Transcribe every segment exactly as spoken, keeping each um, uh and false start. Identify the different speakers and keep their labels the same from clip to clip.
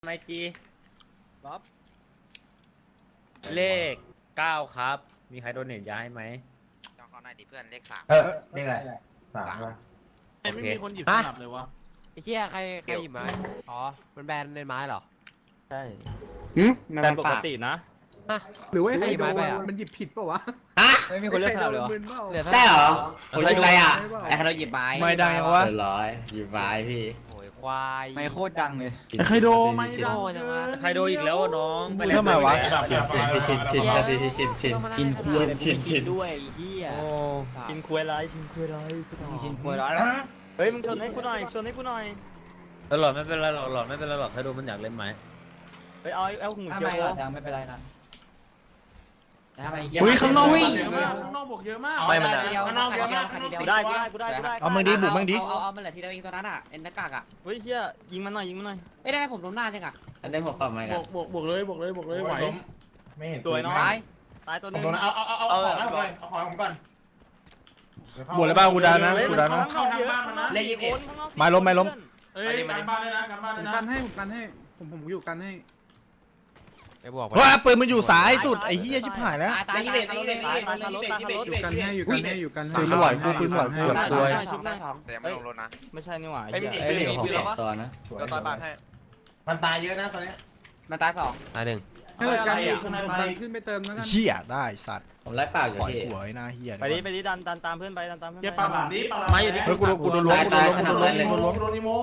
Speaker 1: ไมจี
Speaker 2: บ๊อบ
Speaker 1: เลขเก้าครับมีใครโดนเน็ตย้ายไหม
Speaker 3: ต้องเข้าหน้าดิเพื่อนเลขสาม
Speaker 4: เออนี่แหละสามป่ะ
Speaker 5: ไม่มีคนหยิบสนับเลยวะ
Speaker 2: ไอ้เหี้ยใครใครหยิบไม้อ๋อมันแบนในไม้เหรอ
Speaker 5: ใช่
Speaker 4: หืม
Speaker 5: แต่ปกตินะ
Speaker 6: หรือว่าไอ้ใคร
Speaker 2: หยิบ
Speaker 6: โด
Speaker 2: ไม้
Speaker 6: น
Speaker 2: ไปอะ
Speaker 6: มันหยิบผิดเปล่าวะ
Speaker 4: ฮะ
Speaker 2: ไม่มีคนเลือกสลับเลยวะ
Speaker 6: มึนเปล่า
Speaker 2: เหลือ
Speaker 4: ได้เหรอ
Speaker 1: คน
Speaker 4: หยิบอะไรอ่ะ
Speaker 1: ไอ้ใครเราหยิบไม้
Speaker 4: ไม่ดังยังวะร้อยหยิบไม้พี่
Speaker 2: โอ้ยควาย
Speaker 7: ไม่โคตรดังเลย
Speaker 5: ไอ้ใครโดไม่ดัง
Speaker 2: โง่จังวะ
Speaker 1: ใครโดนอีกแล้วน้อง
Speaker 4: พูดทำไมวะ
Speaker 5: ชินชินชินชิน
Speaker 4: ชินชินชินชิน
Speaker 7: กินคุย
Speaker 4: ชินชิน
Speaker 7: ด้วยไอ้เฮีย
Speaker 1: โอ้
Speaker 5: ชินคุยไรชินคุยไร
Speaker 7: กินคุยร้อย
Speaker 5: เฮ้ยมึงชนให้กูหน่อยชนให้กูหน่อย
Speaker 1: แล้วหลอดไม่เป็นไรหรอกหลอดไม่เป็นไรหรอกใครโดนมันอยากเล่นไหม
Speaker 5: เฮ้ยเอาเอาหู
Speaker 7: ถ้า
Speaker 5: เขียว
Speaker 7: ไม่หรอกไม่เป็นไรนะถ้าไม่เฮีย
Speaker 5: อุ้ยข้างนอก
Speaker 7: วิ่
Speaker 5: เยอะมากข้างนอกบวกเยอะมาก
Speaker 1: ไม่มันอะ
Speaker 7: ข้างนอกเยอะมาก
Speaker 5: กูได้กูได้กูได้กูได้
Speaker 4: เอามึงดิบุกมึงดิ
Speaker 7: เอาเอามันแหละทีเดียวเองตัวนั้นอ่ะเอ็นหน้ากากอ่ะ
Speaker 5: เฮ้ยเฮียยิงมันหน่อยยิงมันหน่อย
Speaker 7: ไม่ได้ผมล้มหน้าจังอ่ะ
Speaker 4: อันนี้ผมปรับไหม
Speaker 5: บ
Speaker 4: กัน
Speaker 5: วกบวกบวกเลยบวกเลยบวกเลยไหว
Speaker 4: ไม่เห็น
Speaker 5: ตัวน้อย
Speaker 7: ตาย
Speaker 5: ตายตัวนึง
Speaker 4: เอาเอาเอาเอาของก่อนเอาของผมก่อน
Speaker 8: บวชเลยป่ะกูดานะ
Speaker 5: เฮ้ย
Speaker 8: กู
Speaker 5: มัน
Speaker 8: ดา
Speaker 5: เข้า
Speaker 8: นะ
Speaker 5: ข้างนอกเยอะข้างนอก
Speaker 4: เลขยี่สิบเอ็ด
Speaker 5: ข้างนอก
Speaker 8: ไม้ล้มไม้ล้ม
Speaker 5: เฮ้ยการบ้านเลยนะการบ้าน
Speaker 6: ผ
Speaker 5: เลย
Speaker 6: ม
Speaker 5: นะ
Speaker 6: กันให้ผมกันให้ผมผมอยู่กันให้
Speaker 2: ไอ้บอก
Speaker 8: เฮ้ยปืนมันอยู่สายสุดไอ้เหี้ยชิบหายแล้ว
Speaker 7: ตาย
Speaker 4: เล
Speaker 7: ตา
Speaker 4: ข
Speaker 7: ย
Speaker 4: ยี่สิบเอ็ดเลขยี่สิบเอ็ดเลขยี่สิบเอ็ดยี่สิบเอ็ด
Speaker 6: อยู่กันให้อยู่กันให้อยู่กันให้
Speaker 8: ปืนมันไหวกูปืนมันไหวกู
Speaker 1: เกือบซวย
Speaker 5: ชุบได้
Speaker 3: แต่ยังไม่ลงรถนะ
Speaker 5: ไม่ใช่นี่หว่า
Speaker 1: ไอ้
Speaker 5: เหี้ย
Speaker 1: ไอ้เหลือของสอง
Speaker 4: ตัวนะ
Speaker 3: ก็ต่อยบาทให้
Speaker 4: มันตายเยอะนะตอนนี้
Speaker 7: มันตายสอง
Speaker 2: ตายหนึ่ง
Speaker 6: ให้อยู่กันอยู่ผมกันขึ้นไปเติมแล้วกัน
Speaker 8: เหี้ยได้สัตว์
Speaker 4: ผมไล่ปากอยู่
Speaker 8: ปล่อย
Speaker 4: พี่
Speaker 8: หัวไอ้หน้าเหี้ย
Speaker 5: ไปดิไปดิดันดันตามเพื่อนไปดันตามเพื่อน
Speaker 9: เก็บปลาหลามดิปลาหลาม
Speaker 1: ไม้อยู่ที่
Speaker 8: เฮ้ยกูโดนกูโดนล้วงกูโดนล้วงกูโดนล้วงกูโดนล้วง
Speaker 9: โดนิโม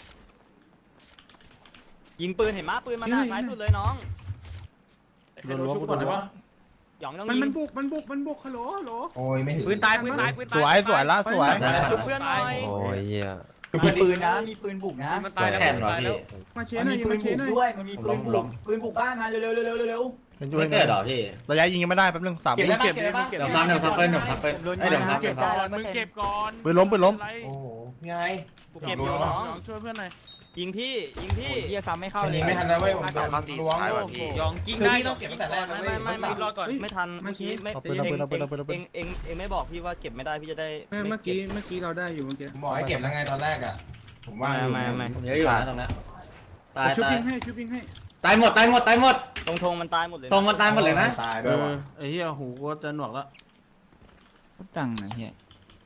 Speaker 5: ยิงปืนเห็นมั้ยปืนมันหน้าซ้ายสุดเลยน้อง
Speaker 8: โดนล้วงกูโดนล้วง
Speaker 5: หยองต้อง
Speaker 6: มัน
Speaker 5: ยิ
Speaker 6: มัน
Speaker 5: ง
Speaker 6: บุกมันบุกมันบุกฮัลโหลฮัลโหล
Speaker 4: โอ้ยไม่ถึง
Speaker 1: ปืนตายปืนตายปืนตาย
Speaker 8: สวยสวยละสวย
Speaker 5: จุบเพื่อนหน่อย
Speaker 2: โอ้ยเหี้ย
Speaker 7: มีปืนนะมีปืนบุกนะ
Speaker 1: มันตายแล้ว
Speaker 4: แข่งเหรอ
Speaker 1: ตาย
Speaker 4: พี่
Speaker 1: แล้ว
Speaker 6: มาเช
Speaker 7: มัน
Speaker 6: หน่อ
Speaker 7: มี
Speaker 6: ย
Speaker 7: ปื
Speaker 6: มาน เช
Speaker 7: บุก
Speaker 6: หน่อย
Speaker 7: ด้วยมันมีปืนบุกปืนบุกบ้านมาเร็วเร็วเร็วเร็วเร็ว
Speaker 8: เป็นช่วย
Speaker 4: ไม่เกิดหรอพี่
Speaker 8: ระยะยิงยังไม่ได้แป๊บนึงสาม
Speaker 4: เก็บ
Speaker 8: วิ
Speaker 4: ได้ปะเก็บได้ปะเดี๋ยวซ้ำเดี๋ยวซ้ำเปิ้ลเดี๋ยวซ้ำเปิ้ลเอ้ยเดี๋ยวซ้ำ
Speaker 7: เก็
Speaker 4: เดี๋ยว
Speaker 7: บได้
Speaker 4: ซ้ำ
Speaker 7: แล้ว
Speaker 9: มึงเก็บก่อน
Speaker 8: ปืนล้มปืนล้ม
Speaker 4: โอ้โหไง
Speaker 5: กูเก็บอยู่น้อง
Speaker 9: ช่วยเพื่อนหน่อย
Speaker 5: ยิงพี่ยิงพี่
Speaker 7: เฮียซ้ำไม่เข้าเลย
Speaker 4: ยิงไม่ทันแล้วเว้ยผม
Speaker 3: สองเข้าสี่สุดท้ายว่ะพี่
Speaker 1: ยองกิ้ง
Speaker 4: คือ
Speaker 1: ได้
Speaker 4: พี่ต้องเก็บตั้งแต่แรก
Speaker 5: ไม่ไม่ไม่ไม่รอก่อนไม่ทันเมื่อกี้ไม่
Speaker 8: เอาปื
Speaker 5: เอน ง
Speaker 8: เอาปืนเอาปืนเอาปืนเอาปื
Speaker 5: เอน งเองเองไม่บอกพี่ว่าเก็บไม่ได้พี่จะได้
Speaker 6: เมื่อกี้เมื่อกี้เราได้อยู่เมื่อกี้
Speaker 4: ผมบอกให้เก็บแล้วไงตอนแรกอ่ะผมว่า
Speaker 5: ไม่ไม่ไม่
Speaker 4: ผมเยอะอยู่นะตรงนี้ตาย
Speaker 6: ชุบ
Speaker 4: ตาย
Speaker 6: ยิงให้ชุบยิงให้
Speaker 4: ตายหมดตายหมดตายหมด
Speaker 5: ตรงธงมันตายหมดเลย
Speaker 4: ตรงมันตายหมดเลยนะ
Speaker 9: ตายด้วยไอ้เหี้ยหูก็จะหนวกแล้ว
Speaker 7: โคตรดังนะเฮีย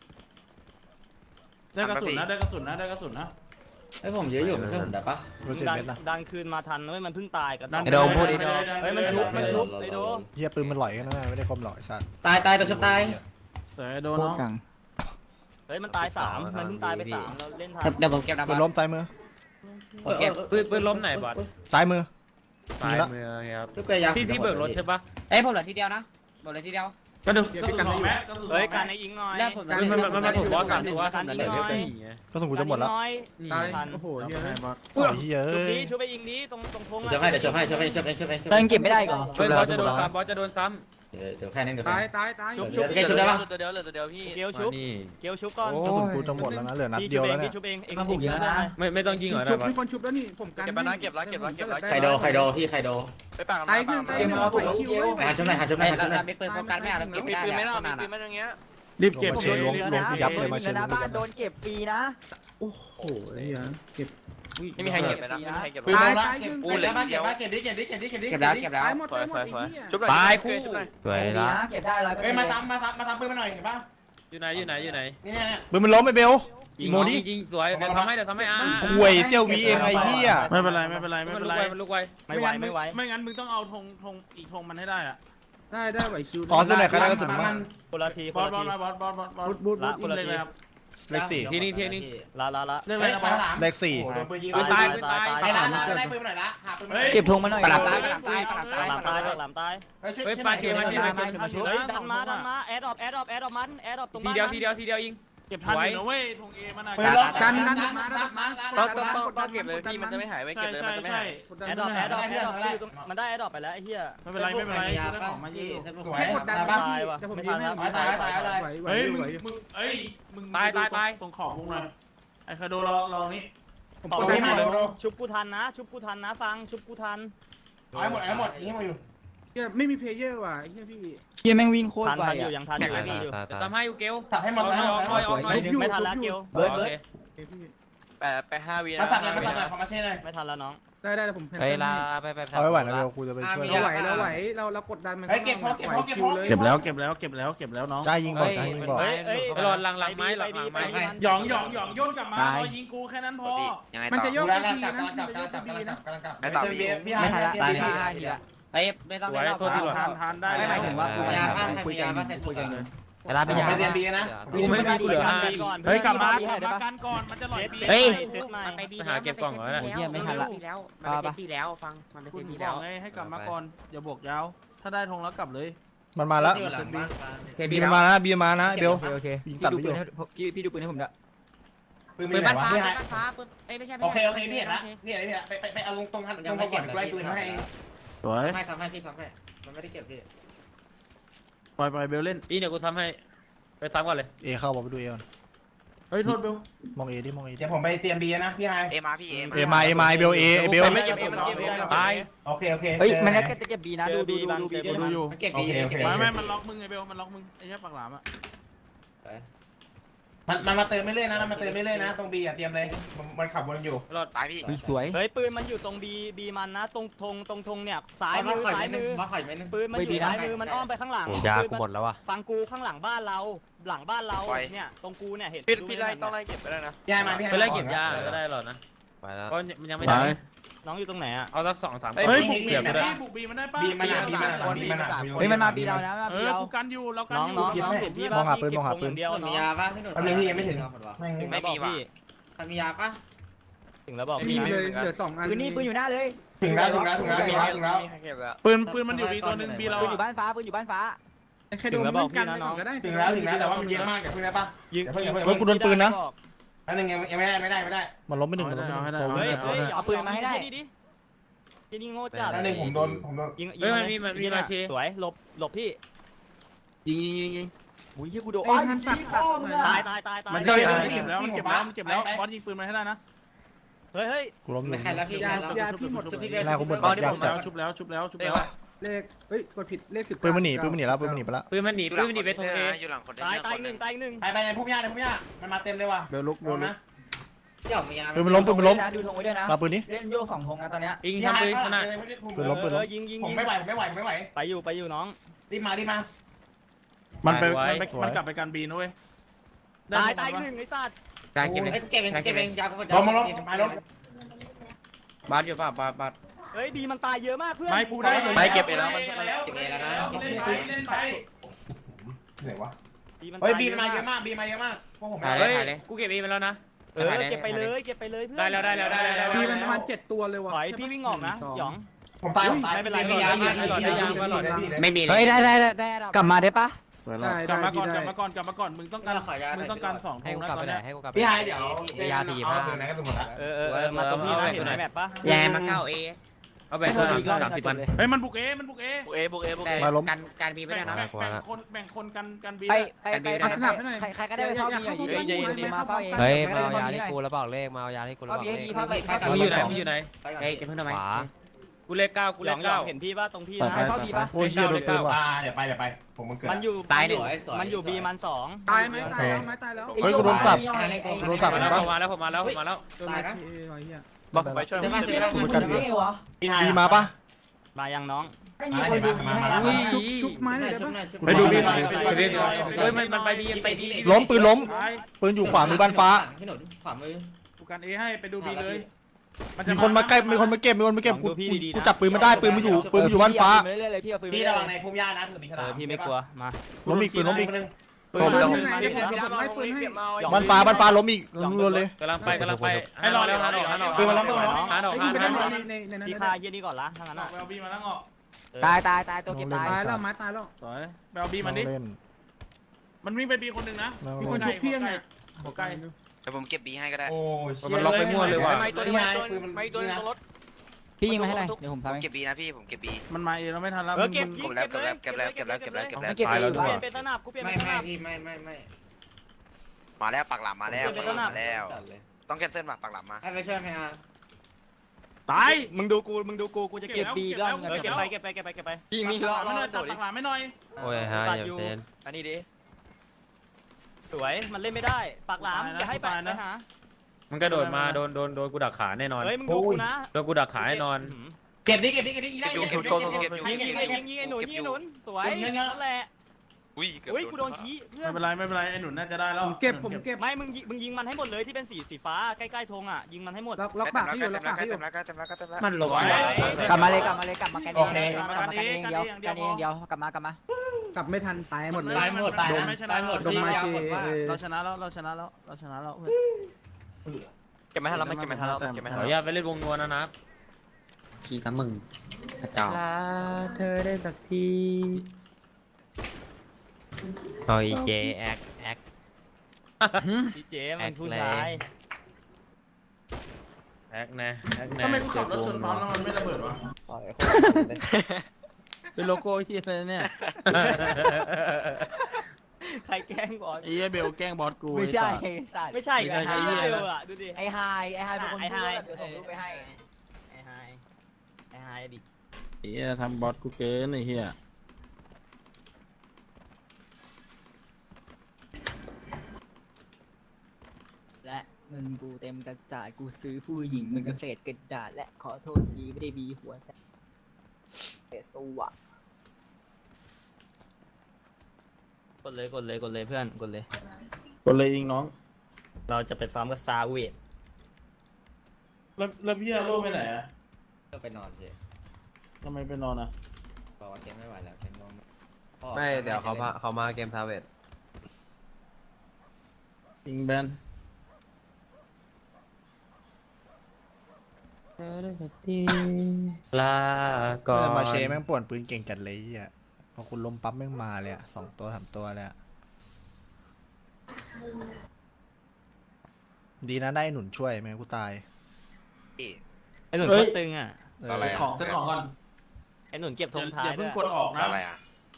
Speaker 9: ได้กระสุนนะได้กระสุนนะได้กระสุนนะ
Speaker 4: ไอ้ผมเยอะอยู่ไม่ใช่ผมแต่ปะ
Speaker 8: โดนเจ็ด
Speaker 5: ดัน
Speaker 8: เม็ดนะ
Speaker 5: ดันคืนมาทันเว้ยมันเพิ่งตายกัน
Speaker 9: ดัน
Speaker 5: เฮ้ยมันชุบ
Speaker 9: ไ
Speaker 5: มันชุบไอ้โด
Speaker 8: เหี้ยปืนมันหล่อยกันนะไม่ได้คมหล่อยสัตว์
Speaker 4: ตายตายตัวชุบตาย
Speaker 9: แต่โดน
Speaker 7: โค
Speaker 9: น้
Speaker 7: ต
Speaker 9: อง
Speaker 7: รดัง
Speaker 5: เฮ้ยมันตายสามมันเพิ่งตายไปสามเราเล่นทัน
Speaker 7: เดี๋ยวผมเก็บนะ
Speaker 8: ปืนล้มซ้ายมือ
Speaker 1: เก็บปืนปืนล้มไหนบอส
Speaker 8: ซ้ายมือ
Speaker 1: ตายมือครับ
Speaker 4: ลูกกระยา
Speaker 1: พี่พี่เบิกรถใช่ปะ
Speaker 7: เอ้ยผมเหลือทีเดียวนะผมเหลือทีเดียว
Speaker 9: ก็ดูกระสุนสองแม็ก
Speaker 5: เฮ้ยการในยิงหน่อย
Speaker 7: แล้วผม
Speaker 1: มันมันมันมาถูกบอสกันถูกบอส
Speaker 5: การยิงหน่อย
Speaker 8: ก็สมกูจะหมดแล้ว
Speaker 6: ตายโอ้โหเยอะ
Speaker 8: โอ้ยเหี้ย
Speaker 5: ชุบ
Speaker 8: เอ้
Speaker 5: ดี
Speaker 8: ย
Speaker 5: ชุบไปยิงดีตรงตรงธง
Speaker 4: เดี๋ยวให้เดี๋ยวช่วยให้ช่วยให้ช่วยให้ช่วยให้ช่วย
Speaker 7: เรายังเก็บไม่ได้อีกเหรอ
Speaker 1: เฮ้ยบอสจะโดนซ้ำบอสจะโดนซ้
Speaker 4: เดี๋ยวแค่นี้เดี๋ยว
Speaker 6: ตา
Speaker 4: แค่
Speaker 6: ยตายตาย
Speaker 5: ชุบ
Speaker 4: ชุ
Speaker 5: ชุ
Speaker 4: บบ แค่ชุบได้ปะ
Speaker 1: ตัวเดียวเลยตัวเดียวพี่
Speaker 5: เกลียวชุบ
Speaker 1: นี่
Speaker 5: เกลียวชุบก่อน
Speaker 8: กระสุนกูจะหมดแล้วนะเหลือนัดเดียวแล้วเนี่ย
Speaker 5: ชุบเองเอง
Speaker 7: มันบุกเยอะนะ
Speaker 1: ไม่ไม่ต้องยิงเหรอ
Speaker 6: ชุ
Speaker 1: ได้
Speaker 6: บ
Speaker 1: บอส
Speaker 6: มีคนชุบแล้วนี่ผมกัน
Speaker 3: เก็บแล้วนะเก็บแล้วเก็บแล้วเก็บแล้ว
Speaker 4: ใครโดใครโดพี่ใครโด
Speaker 3: ไปปากกัน
Speaker 6: ตาย
Speaker 3: มา
Speaker 6: ขึ้น
Speaker 3: ปาก
Speaker 6: ตายขึ้นใส่คิวไว้
Speaker 4: หาชุบหน่อยหาชุบหน่อยหาชุบหน่อย
Speaker 7: เราไม่ปืนโฟกัสไม่เอาเราเก็บ
Speaker 3: มี
Speaker 7: ไม่ได้
Speaker 3: ปืนไหมล่ะ
Speaker 7: ข
Speaker 3: มี
Speaker 7: นาด
Speaker 3: ปืนไหมตรงเงี้ย
Speaker 9: รีบเก็บ
Speaker 8: มาเชนลงลงยับเลยมาเชนลงยับ
Speaker 7: โดนเก็บฟรีนะ
Speaker 6: โอ้โหเฮียเก็บ
Speaker 3: ไม่มีใครเก็บไปนะไม่มีใครเก็บ
Speaker 6: ตายตายขึ้น
Speaker 3: กูเหลือ
Speaker 4: เก็บเก็บดิเก็บดิเก็บดิเก็บดิ
Speaker 7: เก็บแล้วเก็บแล้ว
Speaker 6: ตายหมดตายหมดไอ้เหี้ย
Speaker 3: ชุบหน่อย
Speaker 1: ตายคู่
Speaker 3: ชุบหน่อย
Speaker 2: สวย
Speaker 7: เก็บ
Speaker 2: ละ
Speaker 7: นะเก็บได้ร้อยเปอร์
Speaker 4: เฮ้
Speaker 7: เซ็
Speaker 4: ย
Speaker 7: นต์
Speaker 4: มาซ้ำมาซ้ำมาซ้ำปืนมาหน่อยเห็นปะ
Speaker 1: อยู่ไหนอยู่ไหนอยู่ไหน
Speaker 4: นี่เนี่ย
Speaker 8: ปืนมันล้มไปเบล
Speaker 1: ยิง
Speaker 8: โมดิ
Speaker 1: ยิงสวยเดี๋ยวทำให้เดี๋ยวทำให้อ่า
Speaker 8: คุยเจ้าวีเองไอ้เหี้ย
Speaker 9: ไม่เป็นไรไม่เป็นไรไม่
Speaker 1: มัน
Speaker 9: เป็น
Speaker 1: ลุก
Speaker 9: ไร
Speaker 1: ไวมันลุกไว
Speaker 5: ไม่ไหวไม่ไหว
Speaker 9: ไม่งั้นมึงต้องเอาธงธงอีกธงมันให้ได้อะ
Speaker 6: ได้ได้ไหวคิว
Speaker 8: ขอเส้นไหนใครได้กระสุนบ้าง
Speaker 5: คนละทีค
Speaker 9: บอน ส
Speaker 5: ละ
Speaker 9: บอ
Speaker 5: ที
Speaker 9: สบอสบอสบอสบอส
Speaker 6: บูทบูท
Speaker 5: ละ
Speaker 6: บูท
Speaker 5: คนละ
Speaker 9: เล่น
Speaker 5: ที
Speaker 9: เลยครับ
Speaker 8: เลขสี่
Speaker 1: ทีนี้ทีนี้
Speaker 5: ละละละ
Speaker 9: เล่นเล
Speaker 4: เฮ้
Speaker 9: ย
Speaker 4: ย
Speaker 9: ครับ
Speaker 4: ปลาหลาม
Speaker 8: เลขสี่
Speaker 4: โอ้โหโดนปืนยิง
Speaker 1: ปืนตายปืนตาย
Speaker 4: ไอ้ร้านร้านได้ปืนมาหน่อยละหาปืนมาหน่อย
Speaker 7: เก็บธงมาหน่อย
Speaker 5: ปลา
Speaker 7: ตาย
Speaker 5: ตายปลาหลามตายปลาหลามตาย
Speaker 4: เฮ้ยช่วย
Speaker 1: เฮ้ย
Speaker 4: ช่วย
Speaker 1: ปลาเชนมาเชนมา
Speaker 5: เฮ้ยดันมาดันมาแอดดอปแอดดอปแอดดอปมันแอดดอปตรง
Speaker 1: ที
Speaker 5: บ้าน
Speaker 1: เดียวทีเดียวทีเดียวยิง
Speaker 9: เก็บทันอยู่นะเว้ยธงเอมันอะ
Speaker 4: ปืนล็อก
Speaker 6: กันกันมาดันมา
Speaker 3: ต้องต้องต้องต้องเก็บเลยพี่มันจะไม่หายไม่เก็
Speaker 9: ใช่
Speaker 3: บเลยมันจะไม่
Speaker 9: ใช่ใช่
Speaker 3: หาย
Speaker 5: แอดดอปแอดดอปแอดดอปมันได้แอดดอปไปแล้วไอ้เหี้ย
Speaker 9: ไม่เป็นไรไม่เป็นไรจะได้ของมายิง
Speaker 4: สวย
Speaker 6: ให้กดดัน
Speaker 4: ตา
Speaker 6: บ้าง
Speaker 4: บ้า
Speaker 6: พี่จะผมยิงให้
Speaker 4: ตายตายตายตาย
Speaker 6: ไหวไหว
Speaker 9: เฮ้ย
Speaker 6: ไห
Speaker 9: มึ
Speaker 6: ว
Speaker 9: งมึงเอ้ยมึง
Speaker 1: ตายตายตาย
Speaker 9: ตรงขอบมุงหน่อยไอ้คาโดรอรอนี่
Speaker 6: ผม
Speaker 5: ต่อก
Speaker 6: ด
Speaker 5: ไป
Speaker 6: ดัน
Speaker 5: มา
Speaker 6: ให้
Speaker 5: ชุบกูทันนะ ชุบกูทันนะฟังชุบกูทัน
Speaker 4: เอาให้หมดเอาให้หมดนี่มาอยู่
Speaker 6: เฮียไม่มีเพลเยอร์ว่ะไอ้เฮียพี่
Speaker 7: เฮียแม่งวิ่งโคตร
Speaker 5: ทัน
Speaker 7: ไว
Speaker 5: ทันอยู่
Speaker 7: อ่ะ
Speaker 5: ยังทันอยู่ยังทันอยู่
Speaker 1: เดี๋ยวทำให้ยูเกล
Speaker 4: ตัดให้หมด
Speaker 1: ออก
Speaker 4: แล้ว
Speaker 1: ออกออกออก
Speaker 5: ไม่ทันแล้วเกียว
Speaker 1: โอเค
Speaker 6: พี่
Speaker 3: แปดไปห้าวิ
Speaker 4: มา
Speaker 3: นะ
Speaker 4: สับเลยมาสับเลยขอมาเช่เลย
Speaker 5: ไม่ทันแล้วน้อง
Speaker 6: ได้ได้ผมแพน
Speaker 1: เฮ้ยลา
Speaker 6: ให้
Speaker 1: ไปไป
Speaker 8: เอาไว้ไหวนะเบลกูจะไปช่วย
Speaker 6: เราไหวเราไหวเราเรากดดันมัน
Speaker 4: เฮ้ยเก็บพอเก็บพอเก็บพอ
Speaker 6: เลย
Speaker 9: เก็บแล้วเก็บแล้วเก็บแล้วเก็บแล้วน้อง
Speaker 8: จ้ายิงบอกจ้ายิงบอก
Speaker 1: เฮ้ยเฮ้ยไปรอหลังหลังไม้หลังไม้
Speaker 9: หยองหยองหยองโยนกลับมารอยิงกูแค่นั้นพอ
Speaker 3: ยังไง
Speaker 6: มัน
Speaker 3: ต่อ
Speaker 6: จะโยก
Speaker 4: กำลัง
Speaker 6: บี
Speaker 4: กลับ
Speaker 6: นะ
Speaker 4: กำลังก
Speaker 6: มั
Speaker 4: ลั
Speaker 6: น
Speaker 4: บ
Speaker 6: จะ
Speaker 4: กำ
Speaker 6: โย
Speaker 4: ลัง
Speaker 6: ก
Speaker 4: กลับ
Speaker 6: บี
Speaker 4: กำลังกลับกำลังกลับ
Speaker 3: ไม่ต่อพี่
Speaker 4: พี่
Speaker 7: ไม่
Speaker 4: ฮาย
Speaker 7: ทันละ
Speaker 4: พี่
Speaker 7: ตาย
Speaker 4: ฮาย
Speaker 7: ห้าทีละ
Speaker 2: เฮ้ยไม่ต้อง
Speaker 1: สวยโทษทีหลอด
Speaker 9: ทานทานได้
Speaker 7: ไม่หมายถึงว่ากู
Speaker 4: ไม่
Speaker 7: ไม่
Speaker 4: ยา
Speaker 7: ถาม
Speaker 4: ป้า
Speaker 7: คุย
Speaker 4: ยา
Speaker 7: กัน
Speaker 4: ป้าเสร็จ
Speaker 7: คุยกัน
Speaker 1: เวลาไป
Speaker 4: ผม
Speaker 1: ยา
Speaker 4: ไปเรียนบีนะ
Speaker 6: กูไม่บีกูเหลือ
Speaker 9: เฮ้ยกลับมากลับมากันก่อนมันจะหลอยปี
Speaker 5: เฮ้ย
Speaker 1: ไปหาเก็บกล่องก่อนนะ
Speaker 7: โอ้ยเหี้ยไม่ทันละ
Speaker 10: แล้วมันเป็นปีแล้วฟังมันเป็น
Speaker 9: คุณ
Speaker 10: ปี
Speaker 9: บ
Speaker 10: แล้
Speaker 9: อ
Speaker 10: ว
Speaker 9: กไงให้กลับมาก่อนอย่าบวกยาว ถ้าได้ธงแล้วกลับเลย
Speaker 8: มันมาแล้วบีมันมานะบีมานะเบล
Speaker 7: โอเคโอเค
Speaker 8: ยิง
Speaker 7: พี่
Speaker 8: ตัด
Speaker 7: ดู
Speaker 8: ไปอ
Speaker 7: ปื
Speaker 8: ยู่
Speaker 7: นให้พี่พี่ดูปืนให้ผมด้วย
Speaker 4: ปืน
Speaker 10: ปืน
Speaker 4: บ้า
Speaker 10: บ้าน น
Speaker 4: ฟ้า
Speaker 10: ฟ้า
Speaker 4: พี่ฮาย
Speaker 10: บ้านฟ้าปืนเอ้ยไม่ใช่
Speaker 4: โอเคโอเคพี่เห็นละพี่เห็นพี่เห็นละไปไปไปเอาลงตรงกันตรงก่อนไล่ปืนให้
Speaker 9: สวย
Speaker 4: ให้ทำให้พี่ทำให้มันไม่ได้เก็บพี่
Speaker 9: ปล่อยปล่อยเบลเล่น
Speaker 1: พี่เดี๋ยวกูทำให้ไปซ้ำก่อนเลย
Speaker 8: เอเข้าบอกไปดูเอก่อน
Speaker 9: เฮ้ยโทษเบล
Speaker 8: มองเอดิมองเอดิ
Speaker 4: เดี๋ยวผมไปเตรียมบีนะพี่ฮาย
Speaker 3: เอมาพี่เอ
Speaker 8: เอมาเอมาเบลเอเบล
Speaker 3: ไม่เก็บเอมันเก็บเอ
Speaker 1: ตาย
Speaker 4: โอเคโอเค
Speaker 7: เฮ้ยมันจะจะเก็บบีนะดูดูดูดูบีด้วย
Speaker 9: ดู
Speaker 7: นะ
Speaker 9: อยู่
Speaker 4: เก็บบีเก็บบี
Speaker 9: ไม่ไม่มันล็อกมึงไงเบลมันล็อกมึงไอ้เหี้ยปากหลามอ่ะ
Speaker 4: มันมันมาเติมไม่เรื่อยนะมันมาเติมไม่เรื่อยนะตรงบีอ่ะเตรียมเลยมันขับวนอยู่
Speaker 1: รอด
Speaker 3: ตายพี่
Speaker 7: อุ้ยสวย
Speaker 5: เฮ้ยปืนมันอยู่ตรงบีบีมันนะตรงธงตรงธงเนี่ยซ้ายมือซ้ายมือ
Speaker 4: มาข่อยไม่นึง
Speaker 5: ปืนมันอยู่ซ้ายมือมันอ้อมไปข้างหลัง
Speaker 1: ยา
Speaker 5: ปืน
Speaker 1: กู
Speaker 5: มัน
Speaker 1: หมดแล้วว่ะ
Speaker 5: ฟังกูข้างหลังบ้านเรา หลังบ้านเราเนี่ยตรงกูเนี่ยเห็น
Speaker 3: พี่พี่ไล่ต้องไล่เก็บไปแล้วนะ
Speaker 4: พี่ฮายมาพี่ฮาย
Speaker 1: ไปไล่เก็บยาก็ได้หรอนะ
Speaker 8: ไปแล้ว
Speaker 1: ก็มันยังไม่
Speaker 9: ตา
Speaker 1: ได้
Speaker 9: ย
Speaker 5: น้องอยู่ตรงไหนอ่ะ
Speaker 1: เอาสักสองสาม
Speaker 9: เฮ้ยบุกบี
Speaker 1: เกือบ
Speaker 9: มัน
Speaker 1: ได้
Speaker 9: ได้บุกบีมันได้ป่ะ
Speaker 4: บีมันหนาบีมันหนาบีมันหนา
Speaker 7: เฮ้ยมันมาบีเราแล้วมา
Speaker 9: เอ
Speaker 7: บี
Speaker 9: อ
Speaker 7: เรา
Speaker 9: กูกันอยู่เรากัน
Speaker 5: น้อง
Speaker 9: อยู่
Speaker 5: น้องน้องเห็นพี่ป่ะพี่เก็บธงอย่างเดียวน้อง
Speaker 4: แป๊บนึงพี่ยังไม่ถึง
Speaker 5: ถึงแล้วบอกพี่
Speaker 4: มียาปะ
Speaker 5: ถึงแล้วบอก
Speaker 6: มี
Speaker 5: พี่นะ
Speaker 6: เลยเหลือสองอัน
Speaker 7: ปืนนี่ปืนอยู่หน้าเลย
Speaker 4: ถึงแล้วถึงแล้วถึงแล้วถึงแล้วถึงแล้ว
Speaker 3: เก็บแล้ว
Speaker 9: ปืนปืนมันอยู่บีตัวหนึ่งบีเรา
Speaker 7: ปืนอยู่บ้านฟ้าปืนอยู่บ้านฟ้า
Speaker 6: แค่โดนมันกันไปก่อนก็ได้
Speaker 4: ถึงแล้วถึงแล้วแต่ว่ามันเยอะมากกับเพื่อนได้ปะ
Speaker 5: ยิง
Speaker 8: เฮ้ยกูโดนปืนนะ
Speaker 4: อันนึงยังยังไม่ได้ไม่ได้ไม่ได้
Speaker 8: มันล้มไปหนึ่งมันล้มไปหนึ่งตัว
Speaker 5: เฮ้ย
Speaker 8: เจ็บ
Speaker 5: เฮ้ย
Speaker 8: เลย
Speaker 5: เอาปืนมาให้ได้ดิยิงโง่จัด
Speaker 4: อันนึงผมโดนผมโดน
Speaker 5: ยิง
Speaker 1: เฮ้ยมันมีมันมีมาเช
Speaker 5: สวยหลบหลบพี่
Speaker 9: ยิงยิงยิงยิง
Speaker 7: อุ้ยเฮียกูโดน
Speaker 6: ไอ้ฮันตัดตัด
Speaker 5: ตายตายตายตาย
Speaker 9: มันเจ็บแล้วมันเจ็บแล้วมันเจ็บแล้วมันเจ็บแล้วบอสยิงปืนมาให้ได้นะ
Speaker 5: เฮ้ยเฮ้ย
Speaker 8: กูล้มอยู่
Speaker 4: ไม่ใครแล้วพี่
Speaker 6: ยายาพี่หมด
Speaker 8: หน้ากูหมด
Speaker 9: บอสที่
Speaker 8: ยา
Speaker 9: ผม
Speaker 8: จั
Speaker 9: แล้
Speaker 8: ด
Speaker 9: วชุบแล้วชุบแล้วชุบแล้ว
Speaker 6: เลขเฮ้ยกดผิดเลขสิบ
Speaker 8: ปืนมันหนีปืนมันหนีแล้วปืนมันหนีไปแล้ว
Speaker 1: ปืนมันหนีปืนมันหนีไปทงเอ
Speaker 3: อยู่หลังคน
Speaker 5: ตายตายหนึ่งตายหนึ่ง
Speaker 4: ไปไปในพุ่มหญ้าในพุ่มหญ้ามันมาเต็มเลยว่ะ
Speaker 9: เบลลุกเบลลุก
Speaker 4: นะเจ้ามียา
Speaker 8: ปืนมันล้มปืนมันล้ม
Speaker 7: ดูธงไว้ด้วยนะ
Speaker 8: มาปืนนี้
Speaker 7: เล่นโยกสองธงนะตอนเนี้ย
Speaker 1: ยิงซ้ำปืนขนาด
Speaker 8: ปืนล้มปืนล้ม
Speaker 5: ยิงยิง
Speaker 4: ผม
Speaker 5: ยิง
Speaker 4: ไม่ไหวผมไม่ไหวผมไม่ไหว
Speaker 5: ไปอยู่ไปอยู่น้อง
Speaker 4: รีบมารีบมา
Speaker 9: มันไปมันไปมันกลับไปการบีนะเว้ย
Speaker 5: ตายตายหนึ่งไอ้สัตว์
Speaker 1: การเก็บ
Speaker 4: เก็บเองเก็บเองยากูล้มมาล้มมาล้ม
Speaker 1: บาสอยู่ป่ะบาสบาส
Speaker 5: เฮ้ยบีมันตายเยอะมากเพื่อน
Speaker 9: ไม่กูได้
Speaker 3: ไปเก็บไปแล้วมัน
Speaker 4: เก็บเองแล้วนะ
Speaker 9: เล่นไปเล่นไป
Speaker 4: เหนื่อยวะ
Speaker 5: บีมัน
Speaker 4: เฮ้ยบีมาเยอะมากบีมาเยอะมากพวกผม
Speaker 1: เฮ้ยกูเก็บเอไปแล้วนะ
Speaker 5: เออเก็บไปเลยเก็บไปเลยเพื่อน
Speaker 1: ได้แล้วได้แล้วได้แล้ว
Speaker 6: บีมันประมาณเจ็ดตัวเลยว่ะ
Speaker 5: ถอยพี่วิ่งออกนะหยอง
Speaker 4: ผมตายผมตายมียาไม่มี
Speaker 7: เฮ้ยได้ได้ได้กลับมาได้ปะ
Speaker 9: กลับมาก่อนกลับมาก่อนกลับมาก่อนมึงต้องการมึงต้องการสองธงนะตอนนี้
Speaker 1: ให้กูกลับ
Speaker 4: พี่ไฮเดี๋ยวคืนไหนก็สมมติละ
Speaker 5: เออเออมาตรงนี้นะเห็นไหมแมปปะ
Speaker 10: แย่มาเก้าเอ
Speaker 1: เอาแบ่งตัวสามสิบมัน
Speaker 9: เฮ้ยมันบุกเอมันบุกเอ
Speaker 3: บุกเอบุกเอบุกเอ
Speaker 8: มาล้ม
Speaker 10: การการบีไม่
Speaker 9: แบ่
Speaker 10: ได้
Speaker 9: ง
Speaker 10: นะ
Speaker 9: แบ่งคนแบ่งคนกันกันบี
Speaker 7: ไปไปไป
Speaker 6: เอาสนับให้หน่อย
Speaker 7: ใครใครก็ได้ไปเข้าบีอย่างนี้มาเฝ้าเอง
Speaker 1: เฮ้ยมาเอายาที่กูแล้วบอกเลขมาเอายาที่กูแล้ว
Speaker 7: เข้า
Speaker 1: บอก
Speaker 7: บี
Speaker 1: เล
Speaker 7: ให้
Speaker 1: ข
Speaker 7: ดีเข้าไปเข้า
Speaker 1: มึง
Speaker 7: บี
Speaker 1: อยู่ไหนมึงอยู่ไหน
Speaker 10: เฮ้ยจะเพิ่งทำไม
Speaker 1: ขวากูเลขเก้ากู
Speaker 5: ห
Speaker 1: เลย
Speaker 5: อง
Speaker 1: ข
Speaker 5: หยอ
Speaker 1: เก้าง
Speaker 5: เห็นพี่ป่ะตรงพี่
Speaker 7: ใคร
Speaker 5: นะ
Speaker 7: เข้าบีปะ
Speaker 8: โอ้ยเฮียโดนปืนว่ะ
Speaker 4: อ่าเดี๋ยวไปเดี๋ยวไปผมมันเกิด
Speaker 5: มันอยู่
Speaker 10: ตายหนึ่ง
Speaker 5: มันอยู่บีมันสอง
Speaker 6: ตายไหมตายแล้วไหมตายแล้ว
Speaker 8: เฮ้ยกูโดนสับ โดนสับ
Speaker 1: มา
Speaker 8: เห็น
Speaker 1: แล้ว
Speaker 8: ปะ
Speaker 1: ผมมาแล้วผมมาแล้วผมมาแล้ว
Speaker 6: โดนมาทีไอ้เหี้ย
Speaker 3: บอกไปช่วย
Speaker 7: เดี๋ยวมา
Speaker 3: มา
Speaker 7: สิบแล้วคุณไม่เหรอ
Speaker 4: พี่ไฮ
Speaker 8: บีมาปะ
Speaker 5: มายังน้อง
Speaker 7: ไม่มีคนดูบีให้
Speaker 6: อุ้ยชุบชุบไม้เลยได้ปะ
Speaker 9: ไปดูบีหน่อย
Speaker 1: เฮ้ยมันมันไปบีไปบี
Speaker 8: ล้มปืนล้ม
Speaker 9: ตาย
Speaker 8: ปืนอยู่ขวามือบ้านฟ้า
Speaker 4: พี่หนุนขวามือ
Speaker 9: กูกันเอให้ไปดูบีเลย
Speaker 8: มีคนมาใกล้มีคนมาเก็บมีคนมาเก็บกูกูกูจับปืนมาได้ปืนมันอยู่ปืนมันอยู่บ้านฟ้า
Speaker 7: ไม่เรื่อยเลยพี่เอาปืน
Speaker 4: พี่ระวังในพุ่มหญ้านะถือมีข
Speaker 5: เอ
Speaker 4: นาด
Speaker 5: อพี่ไม่กลัวมา
Speaker 8: ล้มอีกปืนล้มอีก
Speaker 5: ปืน
Speaker 6: ปืน
Speaker 5: ปืน
Speaker 6: ไหน
Speaker 5: มา
Speaker 6: เดี๋
Speaker 5: เดี๋
Speaker 6: ย
Speaker 5: ยว ว
Speaker 6: ผมไล่ปืนให้
Speaker 8: บ้านฟ้าบ้านฟ้าล้มอีกล้วนเลย
Speaker 1: กำลังไปกำลังไปให้รอแล้วหาดอกหาดอก
Speaker 4: ปืนมาล้มปืนมาล้ม
Speaker 1: หาดอก
Speaker 6: ไอ้
Speaker 1: หา
Speaker 6: ยิงไป
Speaker 1: ด
Speaker 6: ได้
Speaker 1: อก
Speaker 6: ในในในนั้น
Speaker 5: พี่คาเย็นนี่ก่อนละทั้งนั้น
Speaker 9: ออ
Speaker 5: อ่ะ
Speaker 9: กแววบีมาแล้วออก
Speaker 7: ตายตายตายตัวเก็บตาย
Speaker 6: ตายแล้วไม้ตายแล้ว
Speaker 9: สวยแววบีมันดิ
Speaker 8: เล่น
Speaker 9: มันวิ่งไปบีคนหนึ่งนะ
Speaker 6: มีคนชุบเพี้ยงเนี่ย
Speaker 9: หัวไก่
Speaker 3: เดี๋ยวผมเก็บบีให้ก็ได้
Speaker 4: โอ้ย
Speaker 1: มันล็อกไปมั่วเลยว่ะ
Speaker 3: ไม่ตัวนี้ไม่ตัวไม่ตัวนึงตรงรถ
Speaker 7: พี่ยิงมาให้หน่อยเดี๋ยวผม
Speaker 3: ผ
Speaker 7: ทำ
Speaker 3: ม
Speaker 7: เอง
Speaker 3: เก็บบีนะพี่ผมเก็บบี
Speaker 9: มันมาเองแล้วไม่ทันแล้ว
Speaker 5: เออเก็บ
Speaker 3: เก็บแล้วเก็บแล้วเก็บแล้วเก็บแล้วเก็บแล้วเก็บแล้ว
Speaker 7: เก็บไปอยู่
Speaker 5: เป
Speaker 7: บ้า
Speaker 5: ลี่ย
Speaker 7: น
Speaker 5: นเป็นสนับกูเปลี่ยน
Speaker 4: ไม่
Speaker 5: เป็นส
Speaker 4: ไม่
Speaker 5: นับ
Speaker 4: พี่ไม่ไม่ไม่
Speaker 3: มาแล้วปักหลับมาแล้วปักหลับมาแล้ว ต้องแคนเซิลมาปักหลับมา
Speaker 4: ให้ไปช่วยไหมอ่ะ
Speaker 9: ตาย
Speaker 5: มึงดูกูมึงดูกูกูจะเก็บ
Speaker 7: บีรอบ
Speaker 5: เออเก็บไปเก็บไปเก็บไปเก็บไป
Speaker 3: ยิงมี
Speaker 9: ร
Speaker 3: ร
Speaker 9: อ
Speaker 3: อ
Speaker 9: ไม่
Speaker 3: ร
Speaker 9: หน่
Speaker 3: อ
Speaker 9: อย
Speaker 3: โด
Speaker 9: ตัด
Speaker 3: ด
Speaker 9: หลังไม่หน่อย
Speaker 1: โอ้ยฮะอย่าเซน
Speaker 3: อันนี้ดิ
Speaker 5: สวยมันเล่นไม่ได้ปากหลามอย่าให้ปากไปหา
Speaker 1: มันกระโดดมาโดนโดนโดนกูดักขาแน่นอน
Speaker 5: เฮ้ยมึงดูกูนะ
Speaker 1: โดนกูดักขาแน่นอน
Speaker 4: เก็บดิเก็บดิเก็บดิได้
Speaker 3: เก็บอยู่เก็บอยู่เก็บอยู่
Speaker 5: ยิง
Speaker 3: เก็บ
Speaker 5: ยิ
Speaker 3: อง ยู่
Speaker 5: ยิงยิงไอ้หนุนยิงไอ้หนุนสวยนั่นแหละ
Speaker 3: อุ้ยเกือบ
Speaker 5: เฮ้ยกูโดนขี้เพื่อ
Speaker 9: ไม่
Speaker 5: น
Speaker 9: เป็นไรไม่เป็นไรไอ้หนุนน่าจะได้แล้ว
Speaker 6: ผมเก็บผมเก็บ
Speaker 5: ไม่มึงยิงมึงยิงมันให้หมดเลยที่เป็นสีสีฟ้าใกล้ๆธงอ่ะยิงมันให้หมด
Speaker 6: ล็อกล็อกปากที่อยู่ล็อกปากที่อยู่
Speaker 3: เต็มแล้วเต็มแล้วเต็มแล้ว
Speaker 1: มันหลบ
Speaker 7: กลับมาเลยกลับมาเลยกลับมากัน
Speaker 4: โอ
Speaker 7: เอง
Speaker 4: เค
Speaker 7: กลับมากันเองเดียวกันเองเดียวกลับมากลับมาก
Speaker 6: ลับไม่ทันตายหมดเลย
Speaker 9: ตายหมดตายไม่ชนะหมด
Speaker 6: โดนมาเชเออ
Speaker 9: เราชนะแล้วเราชนะแล้วเราชนะแล้ว
Speaker 2: เก็บไม่ทันแล้วไม่เก็บไม่ทันแล้วเก็บไม่
Speaker 1: ข
Speaker 2: ทั
Speaker 1: อน อนุญาตไปเล่นวงนัวนะนะ
Speaker 10: ขี้กับมึงกระจอก
Speaker 1: ลาเธอได้สักที
Speaker 2: ต่อยเจแอกแอก
Speaker 5: พี่เจมันผู้ชาย
Speaker 1: แอกแน่แอกแน่
Speaker 9: ทำไมกูขับรถชนปั๊มแล้วมันไม่ระเบิดวะ
Speaker 2: เป็นโลโก้ที่อะไรเนี่ย
Speaker 5: ใครแกล้งบอส
Speaker 9: ไอ้เบลแกล้งบอสกู
Speaker 7: ไม่ใช่
Speaker 5: ไม่ใช่ไอ้ไฮเร็วอ่ะดูดิ
Speaker 7: ไอ้ไฮไอ้ไฮเป็นคน
Speaker 5: ไอ้ไฮ
Speaker 7: พูดเดี๋ยวส่งรูปไปให้
Speaker 5: ไอ้ไฮไอ้ไฮดิ
Speaker 9: ไอ้เหี้ยทำบอสกูเกินไอ้เหี้ย
Speaker 7: และเงินกูเต็มกระจาดกูซื้อผู้หญิงมันเกษตรกระดาษและขอโทษทีไม่ได้มีหัวใจเศษตัว
Speaker 5: กดเลยกดเลยกดเลยเพื่อนกดเลย
Speaker 9: กดเลยยิงน้อง
Speaker 5: เราจะไปฟาร์มกับซาเวด
Speaker 9: แล้วแล้วพี่อาโร่ไปไหนอะ
Speaker 10: ก็ไปนอนสิ
Speaker 9: ทำไมไปนอนอะ
Speaker 10: บอกว่าเกมไม่ไหวแล้วเกมนอน
Speaker 2: ไม่เดี๋ยวเขามาเขามาเกมทาเวท
Speaker 9: ยิงแบน
Speaker 1: ลาก่อ
Speaker 8: เออน มาเชแม่งป่วนปืนเก่งจัดเลยไอ่ะพอคุณล้มปั๊บแม่งมาเลยอ่ะสองตัวสามตัวเลยอ่ะดีนะได้หนุนช่วยไม่งั้นกูตาย
Speaker 5: ไอ้หนุนก็ตึงอ่ะ
Speaker 8: เออ
Speaker 3: อะไร
Speaker 9: ของจะของก่อน
Speaker 5: ไอ้หนุนเก็บธงท้า
Speaker 9: อย ย่า
Speaker 5: ด้
Speaker 9: เพิ่
Speaker 5: ว
Speaker 9: ง
Speaker 5: ย
Speaker 9: กดออกนะ
Speaker 3: อะไรอ่ะ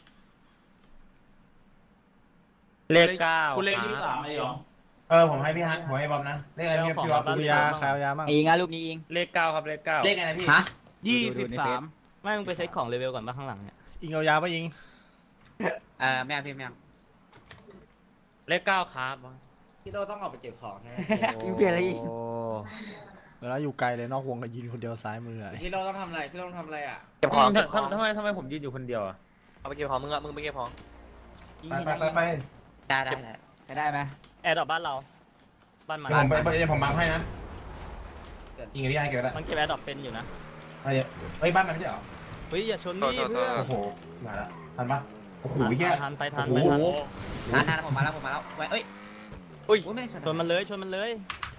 Speaker 1: เลขเก้า
Speaker 9: กูเลข
Speaker 1: ค
Speaker 9: ที่
Speaker 1: รับ
Speaker 9: สามไอ้หยอง
Speaker 4: เออผมให้พี่ฮักผมให้บอมนะเลขอะไรพี่พี่บอม
Speaker 8: ดูยาใครเอายามั่ง
Speaker 7: ไอ้ยิงอ่ะรูปนี้ยิง
Speaker 1: เลขเก้าครับเลขเก้า
Speaker 4: เลขอะไรพี่
Speaker 7: ฮะ
Speaker 9: ยี่สิบสาม
Speaker 5: ไม่มึงไปเซ็ตของเลเวลก่อนมาข้างหลังเนี่ย
Speaker 8: อิงเอายาปะอิง
Speaker 10: เออแม่พี่แม่
Speaker 1: เลขเก้าครับ
Speaker 10: พี่โตต้องออกไปเก็บของใช่ไหม
Speaker 7: ยิงเปลี่ยนอะไรอีก
Speaker 8: เวลาอยู่ไกลเลยนอกวงก็ยิงคนเดียวซ้ายมืออะ
Speaker 10: พี่โตต้องทำอะไรพี่โตต้องทำอะไรอ่ะ
Speaker 2: เก็บของ
Speaker 1: ทำทำทำไมทำไมผมยืนอยู่คนเดียวอ่ะ
Speaker 2: เอาไปเก็บของมึงอะมึงไปเก็บของ
Speaker 7: ยิง
Speaker 4: ไป
Speaker 7: ยิง
Speaker 4: ไปไปไป
Speaker 10: ได้ได้ได้
Speaker 7: จะได้ไหม
Speaker 5: แอร์ดรอปบ้านเราบ้านมัน
Speaker 4: เดี๋ยวผมไปเดี๋ยวผมบังให้นะยิงกับพี่ฮักเก็บได้
Speaker 5: มันเก็บแอร์ดรอปเป็นอยู่นะ
Speaker 4: เฮ้ยบ้านมันไม่ใช่เหรอ
Speaker 5: เฮ้ยอย่าชนดิเพื่อน
Speaker 4: โอ้โหมาแล้วทันปะโอ้โหแย่
Speaker 5: ทันไปทัน
Speaker 4: โอ้
Speaker 5: ไป
Speaker 4: โห
Speaker 5: ทัน
Speaker 10: ทันทันผมมาแล้วผมมาแล้วไว้เอ้ย
Speaker 2: อุ้ย
Speaker 10: ไม่ได้ชน
Speaker 5: ชนมันเลยชนมันเลย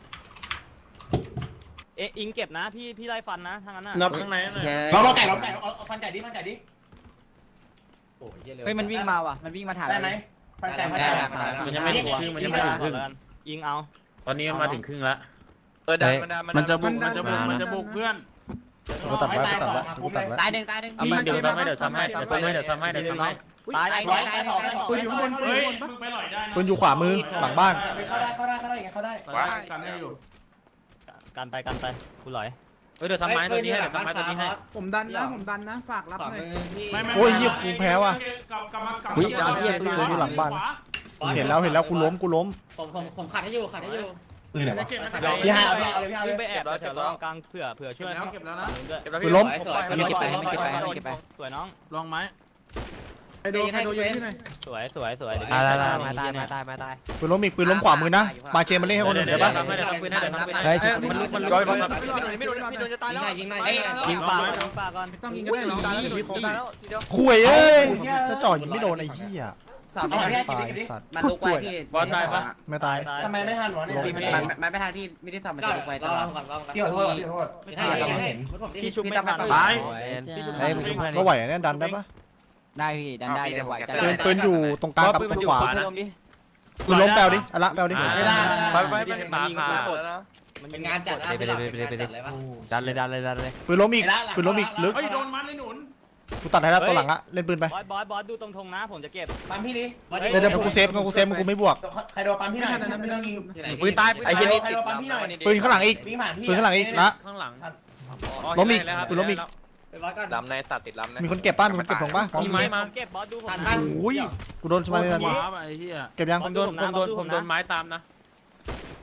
Speaker 5: เอ๊ะอิงเก็บนะพี่พี่ไล่ฟันนะทางนั้นน่ะ
Speaker 9: นับข้างในหน่อย
Speaker 4: เราเราไก่เราไก่เอาเอาฟันไก่ดิฟันไก่ดิ
Speaker 10: โอ้ยเร็ว
Speaker 7: เฮ้ยมันวิ่งมาว่ะมันวิ่งมาถาม
Speaker 4: ได้ไหมฟันไก่ฟันไก่
Speaker 1: มันยังไม่ถึงครึ่งมันยังไม่ถึงครึ่ง
Speaker 5: อิงเอา
Speaker 1: ตอนนี้มันมาถึงครึ่งแล้ว
Speaker 2: เออดันมันดัน
Speaker 9: มันจะบุก
Speaker 6: มั
Speaker 9: มัน
Speaker 6: น
Speaker 9: จะ
Speaker 6: ดั
Speaker 9: บุก
Speaker 6: น
Speaker 9: มันจะบุกเพื่อน
Speaker 8: กูตัดไว้กูตัดไว้กูตัดไว้
Speaker 10: ตายหนึ่งตายหนึ่ง
Speaker 1: เอามาเดี๋ยวซ้ำให้เดี๋ยวซ้ำให้เดี๋ยวซ้ำให้เดี๋ยวซ้ำให้เดี๋ยวซ้ำให้
Speaker 5: ตาย
Speaker 10: ตาย
Speaker 4: ร้อย
Speaker 10: ตาย
Speaker 4: ตายสองตายสอง
Speaker 6: ปืนอยู่ข้างบนปืนอ
Speaker 9: เฮ้ย
Speaker 6: ยู่ข้างบนปะ
Speaker 9: มึงไปหน่อยได้นะ
Speaker 8: ปืนอยู่ขวามือหลังบ้าน
Speaker 4: เข้าได้เข้าได้เข้าได้เข้าได้
Speaker 9: ว้ากันให้อยู่
Speaker 5: กันไปกันไปกูหลอย
Speaker 1: เฮ้ยเดี๋ยวซ้ำไม้ตัวนี้ให้เดี๋ยวซ้ำไม้ตัวนี้ให้
Speaker 6: ผมดันนะผมดันนะฝากรับ
Speaker 10: สอง
Speaker 6: หน่อย
Speaker 10: มือพี่
Speaker 9: ไม่ไม่
Speaker 8: โอ้ยเหี้ยกูแพ้ว่ะ
Speaker 9: กลับกลับมากลับ
Speaker 8: อุ๊ยดาวเหี้ยปืนอยู่หลังบ้าน เห็นแล้วเห็นแล้วกูล้มกูล้ม
Speaker 10: ผมผมผมขัดให้อยู่ขัดให้อยู่
Speaker 4: ปืนไหนวะ
Speaker 9: เก็บนะ
Speaker 4: พี่ฮักเอาพี่เอาเลยพี่เอาเล
Speaker 5: วิ่
Speaker 4: ย
Speaker 5: งไปแอบแถวๆกลางเผื่อเผื่อช่วย
Speaker 9: แล้วเก็บแล้วนะ
Speaker 5: ด้วย
Speaker 8: ปืนล้ม
Speaker 10: มันเก็บไปมันเก็บไปมันเก็บไป
Speaker 5: สวยน้อง
Speaker 9: ลองไหม
Speaker 6: ไปโดนไปโดนยิงที่ไหน
Speaker 5: สวยสวยสวย
Speaker 2: ตายตายมาตายมาตายมาตาย
Speaker 8: ปืนล้มอีกปืนล้มขวามือนะมาเชมาเล่นให้คนอื่นได้ปะ
Speaker 1: เดี๋ยวซ้ำให้เดี๋ยวซ้ำปืนให้เดี๋ยวซ้ำปืน
Speaker 2: เฮ้
Speaker 1: ให้
Speaker 2: ย
Speaker 1: มันลุกมันลุก
Speaker 2: ร้อย
Speaker 1: มัน
Speaker 2: ร้
Speaker 1: ลุ
Speaker 2: อย
Speaker 1: ก
Speaker 2: ไม่โดนไม่โดนไม่โดนจะตายแล้ว
Speaker 10: ยิงหน่อย
Speaker 5: เอ้ย
Speaker 10: ยิ
Speaker 5: ยิ
Speaker 10: ง
Speaker 5: ง
Speaker 10: หน่
Speaker 5: ปา
Speaker 10: อย
Speaker 5: ก่อนยิงปาก่อน
Speaker 6: ไม่ต้องยิงก็ได้น้องมีครบได้แล้ว
Speaker 8: คุยเอ้ยจะจ่อยิงไม่โดนไอ้เหี้ย
Speaker 10: สาม
Speaker 4: เอาพี่ฮัก
Speaker 8: ตา
Speaker 4: เก็บ
Speaker 8: ย
Speaker 4: ดิ
Speaker 8: สัตว์
Speaker 10: มันลุกไว้พี่
Speaker 8: ไม่ตาย
Speaker 4: ทำไมไม่ทันวะเนี่ย
Speaker 10: มันมันไม่ทันพี่ไม่ได้ทำมันจะลุกไว้ตลอด
Speaker 4: พี่ขอโทษพี่ขอโทษ
Speaker 10: ไม่ทันไม่เห็น
Speaker 5: พี่ชุบไม่ทัน
Speaker 2: ตาย
Speaker 5: เฮ้ยมึง
Speaker 8: ก็ไหวอะเนี่ยดันได้ปะ
Speaker 7: ได้พี่ดันได้เลยไหวจัด
Speaker 8: ปืนปืนอยู่ตรงกลางกับตรงขวา
Speaker 2: นะ
Speaker 8: ปืนล้มแปลวดิอะละแปลวดิ
Speaker 4: ไม่ได้
Speaker 2: ไปไปไปมาค่ะ
Speaker 10: เป็นงานจัด
Speaker 2: ไปเลยไปเลยไปเลยดันเลยดันเลยดันเลย
Speaker 8: ปืนล้มอีกปืนล้มอีกลึก
Speaker 9: เฮ้ยโดนมันไอ้หนุน
Speaker 8: กูตัดให้แล้วตัวหลังอะเล่นปืนไป
Speaker 5: บอสบอสบอสดูตรงธงนะผมจะเก็บ
Speaker 4: ปั๊มพี่ดิ
Speaker 8: เดี๋ยวเดี๋ยวกูเซฟกูเซฟกูไม่บวก
Speaker 4: ใครโดนปั๊มพี่หน่อยไม่ต้องยิง
Speaker 2: ปืนตายไอ้เหี้ยนี่
Speaker 4: ใครโดนปั๊มพี่หน่อย
Speaker 8: ปืนข้างหลังอีก
Speaker 4: วิ่งผ่านพี่
Speaker 8: ปืนข้างหลังอีกนะ
Speaker 1: ข้างหลัง
Speaker 8: ล้มอีกปืนล้มอีก
Speaker 2: ลำในตัดติดลำใน
Speaker 8: มีคนเก็บป้ะมีคนเก็บถงป้ะ
Speaker 1: มีไม้มา
Speaker 5: ผมเก็บบอสดูผม
Speaker 8: โอ้ยกูโดนสมาร์ท
Speaker 9: ว้าไอ้เหี้ย
Speaker 8: เก็บยัง
Speaker 1: ผมโดนผมโดนผมโดนไม้ตามนะ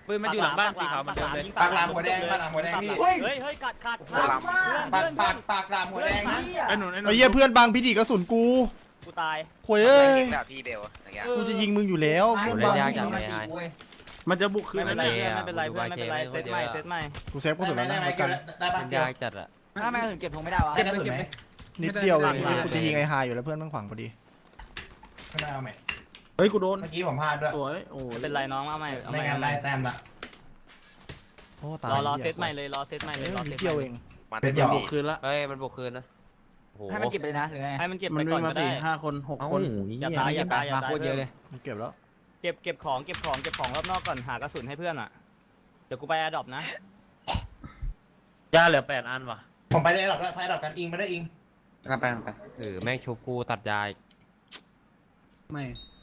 Speaker 1: ปืนมันอยู่หลังบ้านสีขาวเหมือนเดิมเลย
Speaker 4: ปากหลามหัวแดงปากหลามหัวแดงพี่
Speaker 5: เฮ้ยเฮ้ยกัดกัด
Speaker 3: ปากหลาม
Speaker 4: ปากปากปากหลามหัวแดงนะ
Speaker 9: ไอ้หนุนไอ้หนุ
Speaker 8: ไอ้
Speaker 9: น
Speaker 8: เหี้ยเพื่อนบางพิธีกระสุนกู
Speaker 5: กูตาย
Speaker 8: โวยเอ้ย
Speaker 3: ยิงแบบพี่เบลอย่างเงี้ย
Speaker 8: กูจะยิงมึงอยู่แล้วเพื่อนบางพิธี
Speaker 9: มันจะบุกคื
Speaker 5: ไม่
Speaker 9: น
Speaker 5: เป็น
Speaker 9: นั่น
Speaker 5: ไร
Speaker 9: เอง
Speaker 5: เพื่อนไม่เป็นไรเพื่อนไม่เป็นไรเซตใหม่เซตใหม่
Speaker 8: กูเซฟกระสุนแล้วนะแล้วกัน
Speaker 4: ได้ปะ
Speaker 10: ยากจัดอะ
Speaker 7: ทำไมถึงเก็บธงไม่ได้วะ
Speaker 4: ได้กระสุนไหม
Speaker 8: นิดเดียวเลยกูจะยิงไอ้ฮายอยู่แล้วเพื่อนแม่งขวางพอดี
Speaker 4: ไม่ได้เอาไหม
Speaker 9: เฮ้ยกูโดน
Speaker 4: เมื่อกี้ผมพลาดด้วย
Speaker 9: สวยโอ้
Speaker 5: ไม่เป็นไรน้องเอาใหม่เอาให
Speaker 4: ไม่
Speaker 5: ม่
Speaker 4: งั้
Speaker 5: เอา
Speaker 4: น
Speaker 5: ให
Speaker 4: ได้
Speaker 5: ม่
Speaker 4: แต้มละ
Speaker 8: โอ้ตาย
Speaker 5: รอรอเซตใหม่เลยรอเซตใหม่เลยรอ
Speaker 8: นิ
Speaker 5: เซ
Speaker 8: ด
Speaker 5: ต
Speaker 8: เดียวเอง
Speaker 3: มา
Speaker 4: เป็
Speaker 3: เต็
Speaker 4: น
Speaker 3: ม
Speaker 4: หยอก
Speaker 3: ที่
Speaker 9: คืนละ
Speaker 10: เฮ้ยมันบุกคืนนะโอ้โห
Speaker 7: ให้มันเก็บไปเลยนะหรือไง
Speaker 5: ให้มันเก็บ
Speaker 9: มั
Speaker 5: ไป
Speaker 9: น
Speaker 5: ก่อ
Speaker 9: วิ่
Speaker 5: น
Speaker 9: ง
Speaker 5: ก็
Speaker 9: มา
Speaker 5: ได้
Speaker 9: สี่ห้าคนหกคน
Speaker 5: อย่าตายอย่าตายอย่า
Speaker 7: มา
Speaker 5: ตาย
Speaker 7: โคตรเยอะเลย
Speaker 8: มันเก็บแล้ว
Speaker 5: เก็บเก็บของเก็บของเก็บของรอบนอกก่อนหากระสุนให้เพื่อนอ่ะเดี๋ยวกูไปแอร์ดรอปนะ
Speaker 1: ย่าเหลือแปดอันว่ะ
Speaker 4: ผมไปได้หรอกได้ไปได้หรอกกันอิงไปได้อิง
Speaker 10: กันไปกันไปเออแม่งชุบกูตัดยาย
Speaker 6: ไม่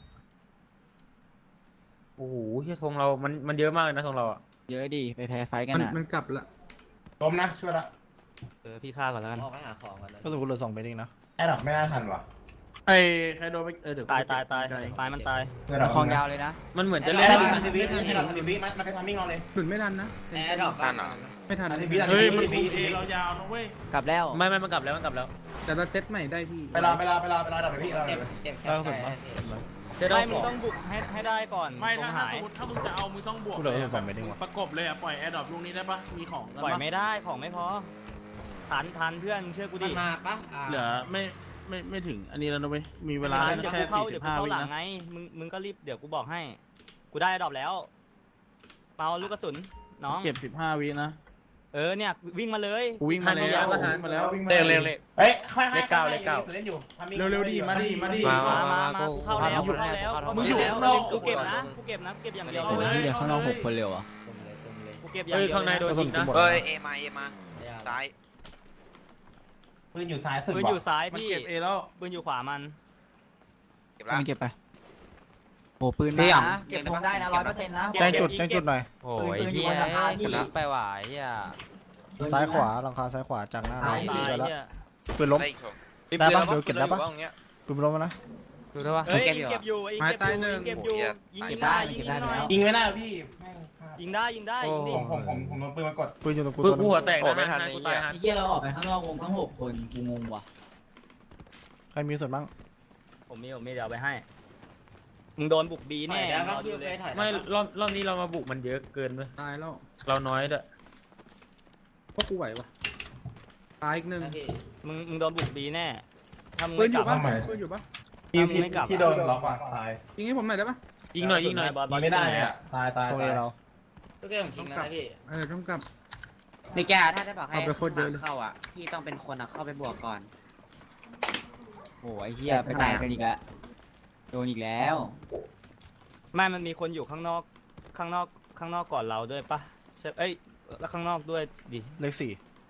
Speaker 1: โอ้โหเฮียธงเรา มันมันเยอะมากเลยนะธงเราอ่ะ
Speaker 7: เยอะดิไปแพ้ไฟกัน
Speaker 6: มัน
Speaker 7: อ่ะ
Speaker 6: มันกลับละ
Speaker 4: ล้มนะช่วยละ
Speaker 5: เออพี่ฆ่าก่อนแล้วกัน
Speaker 8: ก็สมมติเหลือสองเมตรเองนะ
Speaker 4: ไอ้ดอกไม่น่าทันว่ะ
Speaker 9: ไอ้ใครโดนไปเออเดี๋ยว
Speaker 5: ตายตายตายตายมันตาย
Speaker 7: คลองยาวเลยนะ
Speaker 1: มันเหมือนจะ
Speaker 4: จะ
Speaker 1: เล่
Speaker 4: เล่
Speaker 1: น
Speaker 4: นทันทีวิทันทีทันทีวิมันมันเป็นทามิ่งเราเลย
Speaker 6: หนุนไม่ทันนะ
Speaker 10: แอร์ดรอป
Speaker 3: นั่นเหรอ
Speaker 6: ไม่ทัน
Speaker 9: เฮ้ยมันคุมเอเรายาวนะเว้ย
Speaker 7: กลับแล้ว
Speaker 1: ไม่ไม่มันกลับแล้วมันกลับแล้ว
Speaker 6: แต่เราเซตใหม่ได้พี่
Speaker 4: ไปรอไปรอไปรอไปรอดับไปพี่เรา
Speaker 10: เก็บเก็บแค่
Speaker 8: ได้กระสุนปะ
Speaker 1: จะได้
Speaker 5: ไม่มึงต้องบุกให้ให้ได้ก่อน
Speaker 9: ไม่
Speaker 5: ธ
Speaker 9: ถ้าง ถ้า
Speaker 5: หาย
Speaker 9: สมมติถ้ามึงจะเอามึงต้องบวก
Speaker 8: กูเหลือสองเมตรเองว่ะ
Speaker 9: ประกบเลยอ่ะปล่อยแอร์ดรอปลูกนี้ได้ปะมีของกัน
Speaker 5: ปล่อย
Speaker 9: ปะ
Speaker 5: ไม่ได้ของไม่พอทันทันเพื่อนเชื่อกู
Speaker 10: มัน
Speaker 5: ดิ
Speaker 10: มาปะ
Speaker 9: เหลือไม่ไม่ไม่ถึงอันนี้แล้วนะเว้ยมีเวลา
Speaker 5: ทันเดี๋ยว
Speaker 9: แค่
Speaker 5: กูเข้า
Speaker 9: สี่
Speaker 5: เดี๋
Speaker 9: สิ
Speaker 5: ยว
Speaker 9: บ
Speaker 5: กู
Speaker 9: ห้า
Speaker 5: เข้า
Speaker 9: วิ
Speaker 5: หลัง
Speaker 9: นะ
Speaker 5: ไงมึงมึงก็รีบเดี๋ยวกูบอกให้ กูได้ดรอปแล้วเมาลูกกระสุนน้อง
Speaker 9: เก็บสิบห้าวินะ
Speaker 5: เออเนี่ยวิ่งมาเลย
Speaker 9: กูวิ่งมาแล้วกูวิ่งมาแล้ว
Speaker 1: เร็วเร็วเร็ว
Speaker 4: เฮ้ยค่อยๆ
Speaker 1: เลขเก้าเลขเก้า
Speaker 4: เล่นอยู่
Speaker 9: เร็วๆดิมาดิมาดิ
Speaker 5: มามามามากูเข้าแล้วกูเข้าแล้ว
Speaker 9: มึงอยู่
Speaker 5: แล้ว
Speaker 9: ข้างนอก
Speaker 5: กูเก็บนะกูเก็บนะกูเก็บอย่างเดียว
Speaker 9: โอ้
Speaker 5: เลย
Speaker 9: ย
Speaker 7: เดี๋ยวข้างนอกหกคนเร็วอ่ะ
Speaker 5: กูเก็บอย่าง
Speaker 1: เฮ้ย
Speaker 5: เดียว
Speaker 1: ข้างใน
Speaker 5: เลย
Speaker 1: โดน
Speaker 8: กระสุ
Speaker 1: ยิ
Speaker 8: น
Speaker 1: ง
Speaker 8: กู
Speaker 1: นะ
Speaker 8: หมด
Speaker 3: เอ้ยเอมาเอมาซ้าย
Speaker 4: ปืนอยู่ซ้ายสุด
Speaker 5: ปืน
Speaker 4: ว่ะ
Speaker 5: อยู่ซ้าย
Speaker 9: มัน
Speaker 5: พี่
Speaker 9: เก็บเอแล้ว
Speaker 5: ปืนอยู่ขวามัน
Speaker 3: เก็บละ
Speaker 7: มันเก็บไปโอ้ปืนมานะเก็บธงได้นะร้อยเปอร์เซ็นต์นะ
Speaker 8: แจ้งจุดแจ้งจุดหน่อย
Speaker 10: โอ้ยเฮียกำลังไปหวายเฮีย
Speaker 8: ซ้ายขวาหลังคาซ้ายขวาจากหน้าเรา
Speaker 5: ตาย
Speaker 8: เจอแล้ว
Speaker 5: เนี่ย
Speaker 8: ปืนล้ม
Speaker 3: ได้อีกถง
Speaker 8: ได้ปะเดี๋ยวเก็บได้ปะ ปืนล้มแล้วนะ
Speaker 10: ดูได้ปะ
Speaker 5: เฮ้ย
Speaker 10: เก็บ
Speaker 5: ยิ
Speaker 10: อง ยู่
Speaker 5: เก็บอยู่ไอ้เก็บอยู่ยิงเก็บอยู่ยิงยิงได้ยิงยิงหน่อย
Speaker 4: ยิงไม่ได้พี่แม่งพลาด
Speaker 5: ยิงได้ยิงได้ยิงดิ
Speaker 4: ผมผมผมผมโดนปืนมากด
Speaker 8: ปืนอยู่ตรงกู
Speaker 1: ปืน
Speaker 8: ตัวนึ
Speaker 1: กู
Speaker 8: ง
Speaker 1: หัวแตกนะฮะกูตายฮะ
Speaker 7: ไอ้เหี้ยเราออกไปข้างนอกวงทั้งหกคนกูงงว่ะ
Speaker 8: ใครมีส่วนบ้าง
Speaker 5: ผมมีผมมีเดี๋ยวเอาไปให้มึงโดนบุกบีแน่รอดูเลย
Speaker 1: ไม่รอบรอบนี้เรามาบุกมันเยอะเกินเลย
Speaker 6: ตายแล้ว
Speaker 1: เราน้อยด้วย
Speaker 6: พวกกูไหวปะตายอีกหนึ่ง
Speaker 5: มึงมึงโดนบุกบีแน่ถ้ามึง
Speaker 6: ปื
Speaker 5: ไม่
Speaker 6: นอก
Speaker 5: ลั
Speaker 6: ยู่
Speaker 5: บ
Speaker 6: ปะปืนอยู่ปะ
Speaker 4: พี่พี่พี่โดนล็อกว่ะตาย
Speaker 6: ยิงให้ผมหน่อยได้ปะ
Speaker 1: ยิงหน่อยยิงหน่อย
Speaker 5: บอลบอ
Speaker 4: ยิ
Speaker 5: ล
Speaker 4: งไม่ได้เลยอ่ะตายตาย
Speaker 8: ตรงเอเรา
Speaker 10: ตัวเกมของจริงนะพี่
Speaker 6: เออต้องกลับ
Speaker 10: นี่แกถ้าได้บอกให้
Speaker 6: เอาไปโคตรเยอะเลย
Speaker 10: เข้าอ่ะพี่ต้องเป็นคนอ่ะเข้าไปบวกก่อน
Speaker 7: โอ้ยเหี้ยไปตายกันอีกแล้วโดนอีกแล้ว
Speaker 5: ไม่มันมีคนอยู่ข้างนอกข้างนอกข้างนอกก่อนเราด้วยปะใช่เอ้ยแล้วข้างนอกด้วยดิ
Speaker 8: เลขสี่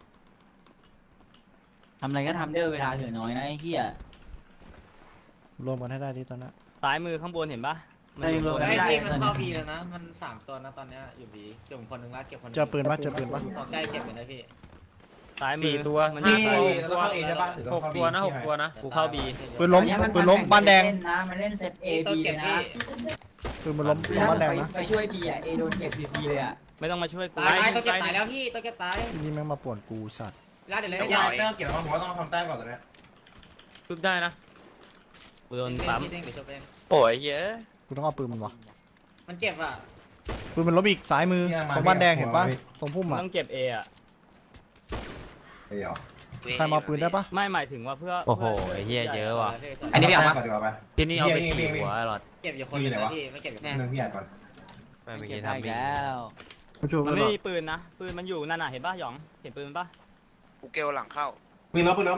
Speaker 7: ทำอะไรก็ทำเด้อเวลาเหลือน้อยนะไอ้เหี้ย
Speaker 8: รวมกันให้ได้ดิตอนนั้น
Speaker 5: ซ้ายมือข้างบนเห็นปะมันอยู่
Speaker 7: ได้
Speaker 5: บน
Speaker 7: ได้
Speaker 10: ไอ้พี่มันเข้าบีแล้วนะ มันสามตัวนะตอนเนี้ยอยู่บีเก็บคนหนึ่งละเก็บคน
Speaker 8: เจอปืนปะเจอปืนปะ
Speaker 10: ขอใกล้เก็บเลยนะพี่
Speaker 5: ซ้ายมื
Speaker 1: สี่
Speaker 5: อ
Speaker 1: ตัว
Speaker 5: มัน
Speaker 4: พี่
Speaker 5: อยู่
Speaker 4: แล้วก็เอใช่ปะ
Speaker 1: หกตัวนะหกตัวนะ
Speaker 5: กูเข้าบี
Speaker 8: ปืนล้มปืนล้มบ้านแดง
Speaker 7: นะมันเล่นเซตเอ
Speaker 10: ต้อง
Speaker 7: บี
Speaker 10: เก็บ
Speaker 7: นะ
Speaker 10: พี่
Speaker 8: ปืนมันล้มล้มบ้านแดงนะ
Speaker 7: ไปช่วยบีอ่ะเอโดนเก็บบีเลยอ่ะ
Speaker 5: ไม่ต้องมาช่วยกู
Speaker 10: ตายตายต้องเก็บตายแล้วพี่ต้องเก็บตาย
Speaker 8: ที่นี่แม่งมาป่วนกูสัตว์
Speaker 10: ลาดเดี๋ยวเลย
Speaker 4: ไม่
Speaker 10: ไม่
Speaker 4: ได้
Speaker 10: ได้
Speaker 4: ไม่ต้องเก็บแล้วผมว่าต้องทำแต้มก่อนตอนนี้
Speaker 1: ชุบได้นะ
Speaker 5: กูโดนปั๊ม
Speaker 10: เด้งเดี๋ยวจบเอง
Speaker 1: โอ้ยเยอะ
Speaker 8: กูต้องเอาปืนมันวะ
Speaker 10: มันเจ็บอ่ะ
Speaker 8: ปืนมันล้มอีกซ้ายมือตรงบ้านแดงเห็นปะตรงพุ่ม
Speaker 5: มึง
Speaker 8: อ่ะ
Speaker 5: ต้องเก็บเออะ
Speaker 4: เดี๋ยว
Speaker 8: ใครมาปืนได้ปะ
Speaker 5: ไม่หมายถึงว่าเพื่อ
Speaker 10: โอ้โห
Speaker 5: พื่
Speaker 10: เฮียเยอะว่ะ
Speaker 4: อันนี้พี่เอาก่อนดีกว่าไป
Speaker 1: ทีนี้เอาไปขี่หัวไอ้หลอด
Speaker 10: เก็บอยู่คนหนึงนะพี่ไม่เก็บกับแม่
Speaker 4: หนึ่งพี่อ่านก่อน
Speaker 10: ไม่
Speaker 7: เก็
Speaker 10: เก็
Speaker 7: บบ ได้
Speaker 10: ทำ
Speaker 7: อีก
Speaker 10: พี่
Speaker 7: แล้ว
Speaker 6: มาช่วย
Speaker 5: มันไม่มีปืนนะปืนมันอยู่นั่นน่ะเห็นปะหยองเห็นปืนมันปะ
Speaker 3: กูเกลหลังเข้า
Speaker 4: ปืนล้มปืนล้ม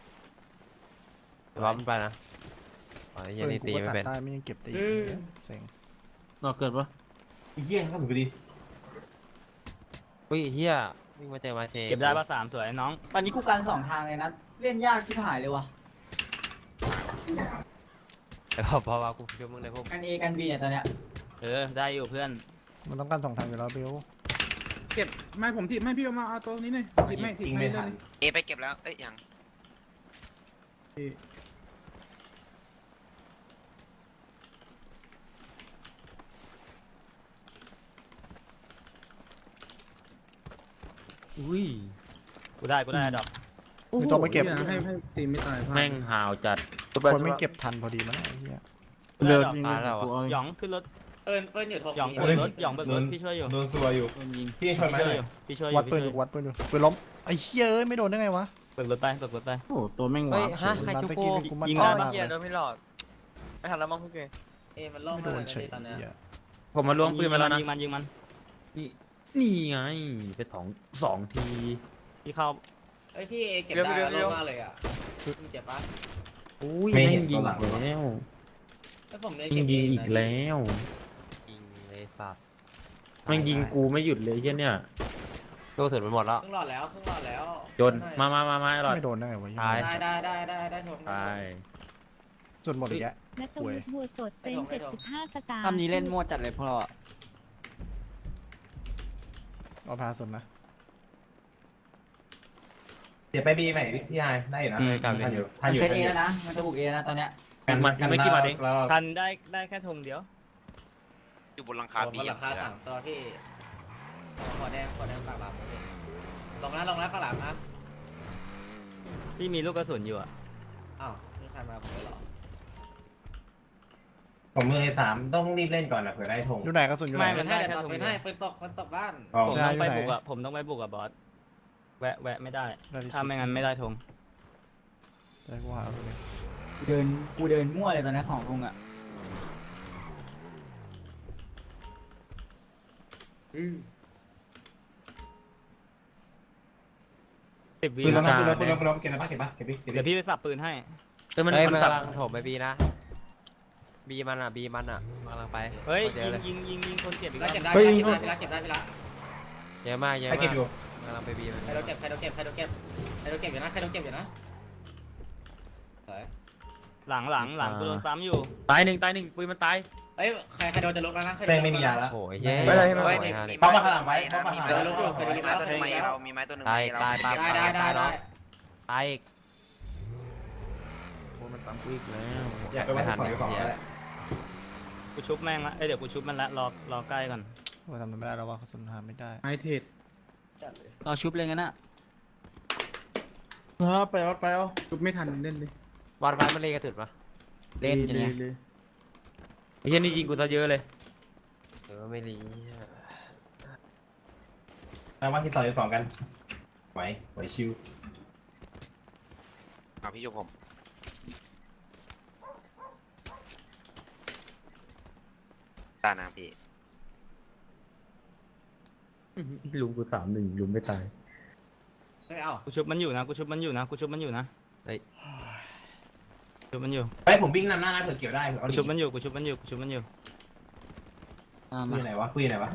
Speaker 10: ล้อมไปนะอ๋อเฮีย
Speaker 8: ปืน
Speaker 10: นี่
Speaker 8: กู
Speaker 10: ตี
Speaker 8: ก็
Speaker 10: ไม่
Speaker 8: ตัด
Speaker 10: เป็น
Speaker 8: ได้ไม่ยังเก็บได้อีกเซ็ง
Speaker 9: เราเกิดปะ
Speaker 4: อีเหี้ยก็ถือไปดี
Speaker 10: อุ้ยเฮียวิ่งมาเจอมาเช
Speaker 5: เก็บได้ปะสามสวยน้อง
Speaker 7: ตอนนี้กูกันสองทางเลยนะเล่นยากชิบหายเลยว่ะ
Speaker 10: แต่พอพอว่ากูช่วยมึงเลยพวก
Speaker 7: กันเอกันบีเนี่ยตอนเนี้ย
Speaker 5: เออได้อยู่เพื่อน
Speaker 8: มันต้องการสองทางอยู่แล้วเบล
Speaker 6: เก็บไม่ผมถีบไม่พี่เอามาเอาตัวนี้หน่อยถีบไม่ถีบ
Speaker 4: ยิง
Speaker 6: ไม่
Speaker 4: ไม่
Speaker 6: เล
Speaker 4: ทัน
Speaker 6: ย
Speaker 3: เอไปเก็บแล้วเอ้ยยัง
Speaker 8: ต
Speaker 1: อุ้ย
Speaker 5: กูได้กูได้ดอก
Speaker 8: ไม่ต้องไปเก็บ
Speaker 6: หี้ยให้ให้ตีไม่ตายพลาด
Speaker 1: แม่งห่าวจัด
Speaker 8: คนไม่เก็บทันพอดีมั้งไอ้เหี้ย
Speaker 5: เลือดมาแล้วหยองขึ้นรถ
Speaker 10: เปิ้ลเปิ้ลอยู่ทง
Speaker 5: หยองเบิกรถหยองเบิกรถพี่ช่วยอยู่
Speaker 4: โดนซัวอยู่
Speaker 5: โดนยิง
Speaker 4: พี่ช่วยไหม
Speaker 5: พี่ช่วยอยู่พี่ช่วยอ
Speaker 8: วัด
Speaker 5: ยู่
Speaker 8: ปืน
Speaker 5: พี่
Speaker 8: อ
Speaker 5: ช่วย
Speaker 8: ยู่วัดปืนอยู่ปืนล้มไอ้เหี้ยเอ้ยไม่โดนได้ไงวะ
Speaker 5: เบิกรถไปเบิกรถไป
Speaker 9: โอ้ตัวแม่งหวา
Speaker 2: เฮ้ย
Speaker 9: น
Speaker 2: ฮะใคร
Speaker 8: นัด
Speaker 2: ชุบ
Speaker 8: ตะ
Speaker 2: กู
Speaker 8: กี้กูมั่น
Speaker 5: ยิง
Speaker 8: ใจ
Speaker 5: ได้
Speaker 8: มาก
Speaker 2: เฮี
Speaker 8: เลย ย
Speaker 2: โดนไม่หลอดไม่ทันแล้วมั้งพี่เก
Speaker 10: เอ้มันล่อง
Speaker 8: ไม่
Speaker 10: มา
Speaker 8: โด
Speaker 10: เล
Speaker 8: น
Speaker 10: ย
Speaker 8: เฉย
Speaker 10: ตอนเนี้ย
Speaker 8: เหี้ย
Speaker 1: ผมมาล้วงปืนมาแล้วนะ
Speaker 5: ยิงมันยิงมัน
Speaker 1: นี่นี่ไงไปสองสองที
Speaker 5: พี่เข้า
Speaker 10: เอ้ยพี่เก็บได้ล่องมากเลยอ่ะเจ็บปะ
Speaker 1: อุ้ยแม่งยิงอีกแล้ว
Speaker 10: แล้วผมเลย
Speaker 1: ยิงยิงอีกแล้ว
Speaker 2: ยิงเลยสับ
Speaker 1: แม่งยิงกูไม่หยุดเลยเช่นเนี่ย
Speaker 2: โดนถึงไปหมดแล้ว
Speaker 10: ครึ่งหลอดแล้วครึ่งหลอดแล้ว
Speaker 1: จนมามามามาไอ้หลอด
Speaker 8: ไม่โดนได้ไงวะ
Speaker 2: ตาย
Speaker 10: ได้ได้ได้ได้ได้ทง
Speaker 1: ไป
Speaker 8: จนหมดอีกแล้ว
Speaker 11: นัทวุฒิบัวสดเต็มเจ็ดสิบห้าสตาร์
Speaker 7: ทำนี้เล่นมั่วจัดเลยพวกเราอะ
Speaker 8: เอาพาสุดนะ
Speaker 4: เดี๋ยวไปบีใหม่พี่ชายได้อยู่นะ
Speaker 5: อืมกลับ
Speaker 4: ทันอยู่ทั
Speaker 7: มัน น
Speaker 4: อยู่
Speaker 7: เซตเอแล้วนะ มันจะบุกเอนะตอนเนี้ย
Speaker 1: อีกมันอีกไม่กี่บาทเอง
Speaker 4: แล้ว
Speaker 5: ทันได้ได้แค่ธงเดียว
Speaker 3: อยู่บนหลังคาบี
Speaker 10: มันราคาสามตัวพี่ขอแดงขอแดงปากหลามลงแล้วลงแล้วปากหลามนะ
Speaker 5: พี่มีลูกกระสุนอยู่อ่ะ
Speaker 10: อ้าวนี่ใครมาผมเลยหรอ
Speaker 4: ผมมือสามต้องรีบเล่นก่อนนะเผื่อได้ธง
Speaker 8: อยู่ไหนกระสุนอยู่ไหน
Speaker 5: ไม่
Speaker 10: เป็นให้แต่ตกเป็นให้เป็นตกมันตกบ้าน
Speaker 4: อ๋อ
Speaker 5: ผม
Speaker 8: ใช่
Speaker 5: ต้องไป
Speaker 8: อยู่ไหน
Speaker 5: บุกอ่ะผมต้องไปบุกอ่ะบอสแวะแวะไม่ได้
Speaker 8: ได้ที่สุด
Speaker 5: ถ้าไม่งั้นไม่ได้ธง
Speaker 8: ได้กูหาเอาเลย
Speaker 7: กูเดิน กูเดินมั่วเลยตอนนี้สองทุ่งอะ
Speaker 5: สิบวิ
Speaker 4: ปืนล้ม
Speaker 5: ก
Speaker 4: นะ
Speaker 5: ลาง
Speaker 4: ปืนล้มปืนล้มปืนล้มเก็บนะปะเก็บปะเก็บดิเก็บ
Speaker 5: เดี๋ยว
Speaker 4: ดิ
Speaker 5: พี่ไปสับปืนให้
Speaker 1: เออมัน
Speaker 2: เฮ้ย
Speaker 1: มั
Speaker 2: มัน น
Speaker 1: สับ
Speaker 2: กำลังโถมไปบีนะบีมันอ่ะบีมันอ่ะกำลังไป
Speaker 5: เฮ้ย
Speaker 2: เยอะเลย
Speaker 5: ยิงยิงยิงยิงคนเจ็บอีก
Speaker 10: แล้
Speaker 5: แล้ว ว
Speaker 10: เก็บได้พี่ละเก็บได้พี่ละ
Speaker 2: เยอะมากเยอะ
Speaker 4: ใคร
Speaker 2: มา
Speaker 4: เก็บ
Speaker 2: ก
Speaker 4: อยู่
Speaker 2: กำลังไปบีมัน
Speaker 10: ใครโดนเก็บใครโดนเก็บใครโดนเก็บใครโดนเก็บอยู่นะใครโดนเก็บอยู่นะ
Speaker 5: หลังหลังหลังกูโดนซ้ำอยู่
Speaker 1: ตายหนึ่งตายหนึ่งปืนมันตาย
Speaker 10: เอ้ยใครใครโดนจะลุกแล้วนะ
Speaker 4: แม่งไม่มียาแล้ว
Speaker 2: โอ้ยเย้
Speaker 3: เฮ้ยมีมี
Speaker 2: มี
Speaker 3: ไม้ตัวหนึ่งไว้นะมีไม้ตัวหนึ่งมีไม้ตัวหนึ่งไม้เรามีไม้ตัวหนึ่ง
Speaker 2: ตา
Speaker 3: ไม้
Speaker 2: ย
Speaker 3: เรา
Speaker 2: ตายตาย
Speaker 10: ได้ได้ได้ได้
Speaker 2: ตายอีก
Speaker 1: โอ้มันตามกูอีกแล้ว
Speaker 4: อยากไปว่าของของแล้ว
Speaker 5: กูชุบแม่งละเอ้ยเดี๋ยวกูชุบมันละรอรอใกล้ก่อน
Speaker 8: โอ้ยทำมันไม่ได้แล้วว่ากระสุนหาไม่ได้
Speaker 6: ไม้เทรด
Speaker 7: เราชุบเลยงั้นอะ
Speaker 9: เออไปวัดไปเอา
Speaker 6: ชุบไม่ทันเล่นเลย
Speaker 2: วันพันมันเลยกระถึดปะ
Speaker 7: เล่นอย่างเงี้ย
Speaker 6: เลย
Speaker 1: ไอ้เช่นนี่ยิงกูซะเยอะเลย
Speaker 2: เออไม่รี
Speaker 4: แปลว่าที่ต่อยสองกันไหวไหวชิว
Speaker 3: เอาพี่ชุบผมตานะพี่
Speaker 1: ลุงกูสามหนึ่งลุงไม่ตาย
Speaker 10: เฮ้ยเอ้า
Speaker 5: กูชุบมันอยู่นะกูชุบมันอยู่นะกูชุบมันอยู่นะเฮ้ยชุบมันอยู่
Speaker 4: เฮ้ยผมวิ่งนำหน้านะเผื่อเกี่ยวได้เผื่อเอา
Speaker 5: กู
Speaker 4: ดิ
Speaker 5: ชุบมันอยู่กูชุบมันอยู่กูชุบมันอยู่
Speaker 7: อ่า
Speaker 4: คุ
Speaker 7: มาย
Speaker 4: ไหนวะคุยไหนวะ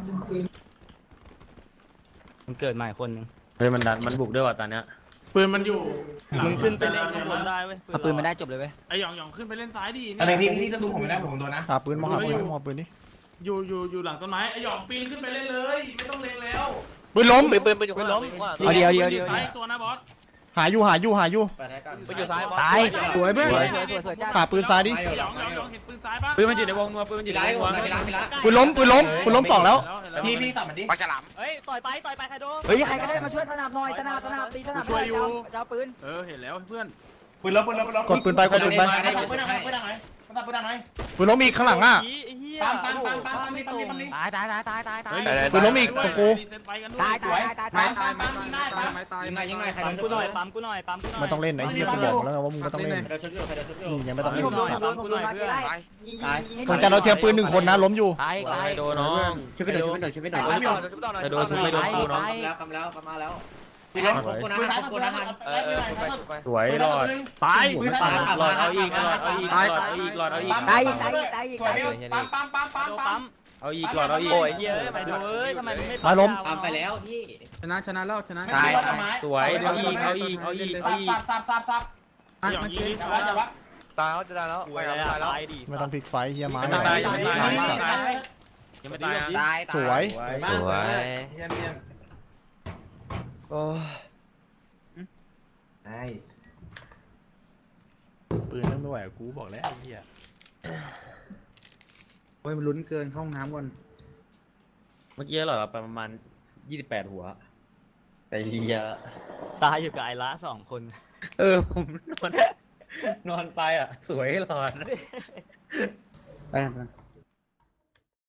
Speaker 5: มันเกิดใหม่คนหนึ่ง
Speaker 1: เฮ้ยมันดันมันบุกด้วยว่ะตอนเนี้ย
Speaker 9: ปืนมันอยู่
Speaker 5: มึงขึ้นไปเล่นข้างบนได้เว้ย
Speaker 7: เอาปืนมาได้จบเลยเว้ย
Speaker 9: ไอหยองหยองขึ้นไปเล่นซ้ายดี
Speaker 4: อะไร
Speaker 9: เนี่ย
Speaker 4: พี่พี่ต้องดูผมไม่ได้ผมโดนนะ
Speaker 8: หาปืนมาหาปืนมาหาปืนนี่
Speaker 9: อยู่อยู่อยู่หลังต้นไม้ไอหยองปีนขึ้นไปเล่นเลย ไม่ต้องเล็งแล้ว
Speaker 8: ปืนล้ม
Speaker 2: ปืนปืนปืนอยู่ข้างหลัง
Speaker 7: เอาเดียวเดียว
Speaker 9: ปืน
Speaker 7: เดียว
Speaker 9: ซ้ายตัวนะบอส
Speaker 8: หาอยู่หาอยู่หาอยู่
Speaker 10: เปิดให้ก่อน
Speaker 2: ปืนอยู่ซ้ายบอส
Speaker 7: ตาย
Speaker 6: สวยเพื่อน
Speaker 7: สวยสวยสวยสวยจ้า
Speaker 8: หาปืนซ้ายดิ
Speaker 9: ไอหยองหยองหยองเห็นปืนซ้ายปะ
Speaker 1: ปืนมันอยู่ในวงนัวปืนมันอยู่
Speaker 10: พี่
Speaker 1: ใน
Speaker 10: ละ
Speaker 1: วงนัว
Speaker 10: พี่ละพี่ละ
Speaker 8: ปืนล้มปืนล้มปืนล้มสองแล้ว
Speaker 4: พี่พี่สับมันดิ
Speaker 3: ปลาฉลาม
Speaker 5: เฮ้ยต่อยไปต่อยไปใครโดน
Speaker 7: เฮ้ยใครก็ได้มาช่วยสนับหน่อยสนับสนับตีสนับหน่อยจะเอาจะเอาปืน
Speaker 9: เออเห็นแล้วเพื่อน
Speaker 4: ปืนล้มปืนล้มปืนล้ม
Speaker 8: กดปืนไปกดปืนไป
Speaker 4: ปืนล้มปืนล้มปืนล้มปืนล้มปืนล้ม
Speaker 8: ปืนล้มอีกข้างหลังอ่ะ
Speaker 5: ไอ้เหี้ย
Speaker 4: ปั๊มปั๊มปั๊มปั๊มปั๊มนี่ปั๊มนี่ปั๊มนี่
Speaker 7: ตายตายตายตายตายตาย
Speaker 8: ปืนล้มอีกตรงกู
Speaker 9: รีเซ็ตไฟกันด้ว
Speaker 7: ตาย
Speaker 9: ย
Speaker 7: ตายตายตาย
Speaker 4: ปั๊
Speaker 7: ตาย
Speaker 4: มปั๊มปั๊มได้ปั๊ม
Speaker 6: ไม้ตาย
Speaker 10: ยังไงยังไงใคร
Speaker 5: ปั๊ม
Speaker 10: โดน
Speaker 5: กูหน่อยปั๊มกูหน่อยปั๊มกูหน่อย
Speaker 8: ไม่ต้องเล่นไอ้เหี้ยกูบอกแล้วไงว่ามึงไม่ต้องเล่น
Speaker 10: ใครโดนชุดอยู่ใครโดนชุดอยู่
Speaker 8: นี่ยังไม่ต้องเล่น
Speaker 7: ผมหน่อย
Speaker 8: สัตว์
Speaker 7: ผมหน่อยเพื่อน
Speaker 3: ไป
Speaker 7: ยิงยิงยิง
Speaker 8: ตรงจันเราเทียมปืนหนึ่งคนนะล้มอยู่
Speaker 2: ตาย
Speaker 1: ตา
Speaker 2: ตาย ย
Speaker 1: โดนน้อง
Speaker 7: ช่วยไปหน่อยช่วยไปหน่อยช่วยไปหน่อย
Speaker 4: ปั๊มอยู่
Speaker 1: จะโดนชุบไม่โดนกูน้อง
Speaker 10: แล้วคำแล้วคำมาแล้วพี่ล้มขอบคุณนะ
Speaker 4: ปืน
Speaker 10: ข
Speaker 4: ท้าย
Speaker 10: อบ
Speaker 4: ปื
Speaker 10: คุณ
Speaker 4: น
Speaker 10: นะ
Speaker 4: ท้าย
Speaker 2: เออเออไปไป
Speaker 1: สวยรอด
Speaker 9: ตาย
Speaker 4: ปืน
Speaker 1: ปา
Speaker 4: ท้าย
Speaker 1: ดรอดเอาอีกรอดเอาอีกรอดเอาอีกรอดเอาอีก
Speaker 7: ตายตายตายตาย
Speaker 4: ปั๊มปั๊มปั๊มปั๊ม
Speaker 5: โดน
Speaker 4: ปั๊
Speaker 5: ปั๊
Speaker 4: ม
Speaker 5: ม
Speaker 1: เอาอีกรอดเอาอีก
Speaker 2: โอ้ยเย้ย
Speaker 5: ไปดูเอ้ยทำไมมึงไม่
Speaker 8: มาล้ม
Speaker 10: ตามไปแล้วพี่
Speaker 6: ชนะชนะแล้วชนะ
Speaker 4: ตาย
Speaker 1: สวยเอาอีกเอาอีกเอาอีกเอาอีก
Speaker 4: ซับซับซับซับ
Speaker 9: ไอหยองยิงดิ
Speaker 4: อย่าวัดอย่าวัด
Speaker 2: ตายแล้วจะตายแล้ว
Speaker 5: กู
Speaker 2: ไป
Speaker 5: อะไร
Speaker 2: แล้ว
Speaker 5: อะ
Speaker 2: ตายแล้ว
Speaker 5: ตายดิ
Speaker 8: ไม่ต้องพลิกไฟเฮียไม้
Speaker 1: ยังไม่ตายยังไม่ตายยังไม่
Speaker 8: สัตว์
Speaker 1: ตายยังไม่ตายอ่ะ
Speaker 10: ตาย
Speaker 8: สวย
Speaker 1: สวย
Speaker 2: สวย
Speaker 4: เยี่ยมเยี่ยม
Speaker 2: โอ้
Speaker 4: nice
Speaker 8: ปืนนั่งไม่ไหวกับกูบอกแล้วไอ้เหี้ย
Speaker 6: โอ้ยมันลุ้นเกินเข้าห้องน้ำก่อน
Speaker 1: เมื่อกี้เหรอไปประมาณยี่สิบแปดหัวไปเรีย
Speaker 5: ตายอยู่กับไอระสองคน
Speaker 1: เออผมนอน นอนไปอ่ะ สวยหลอน
Speaker 9: ไปไป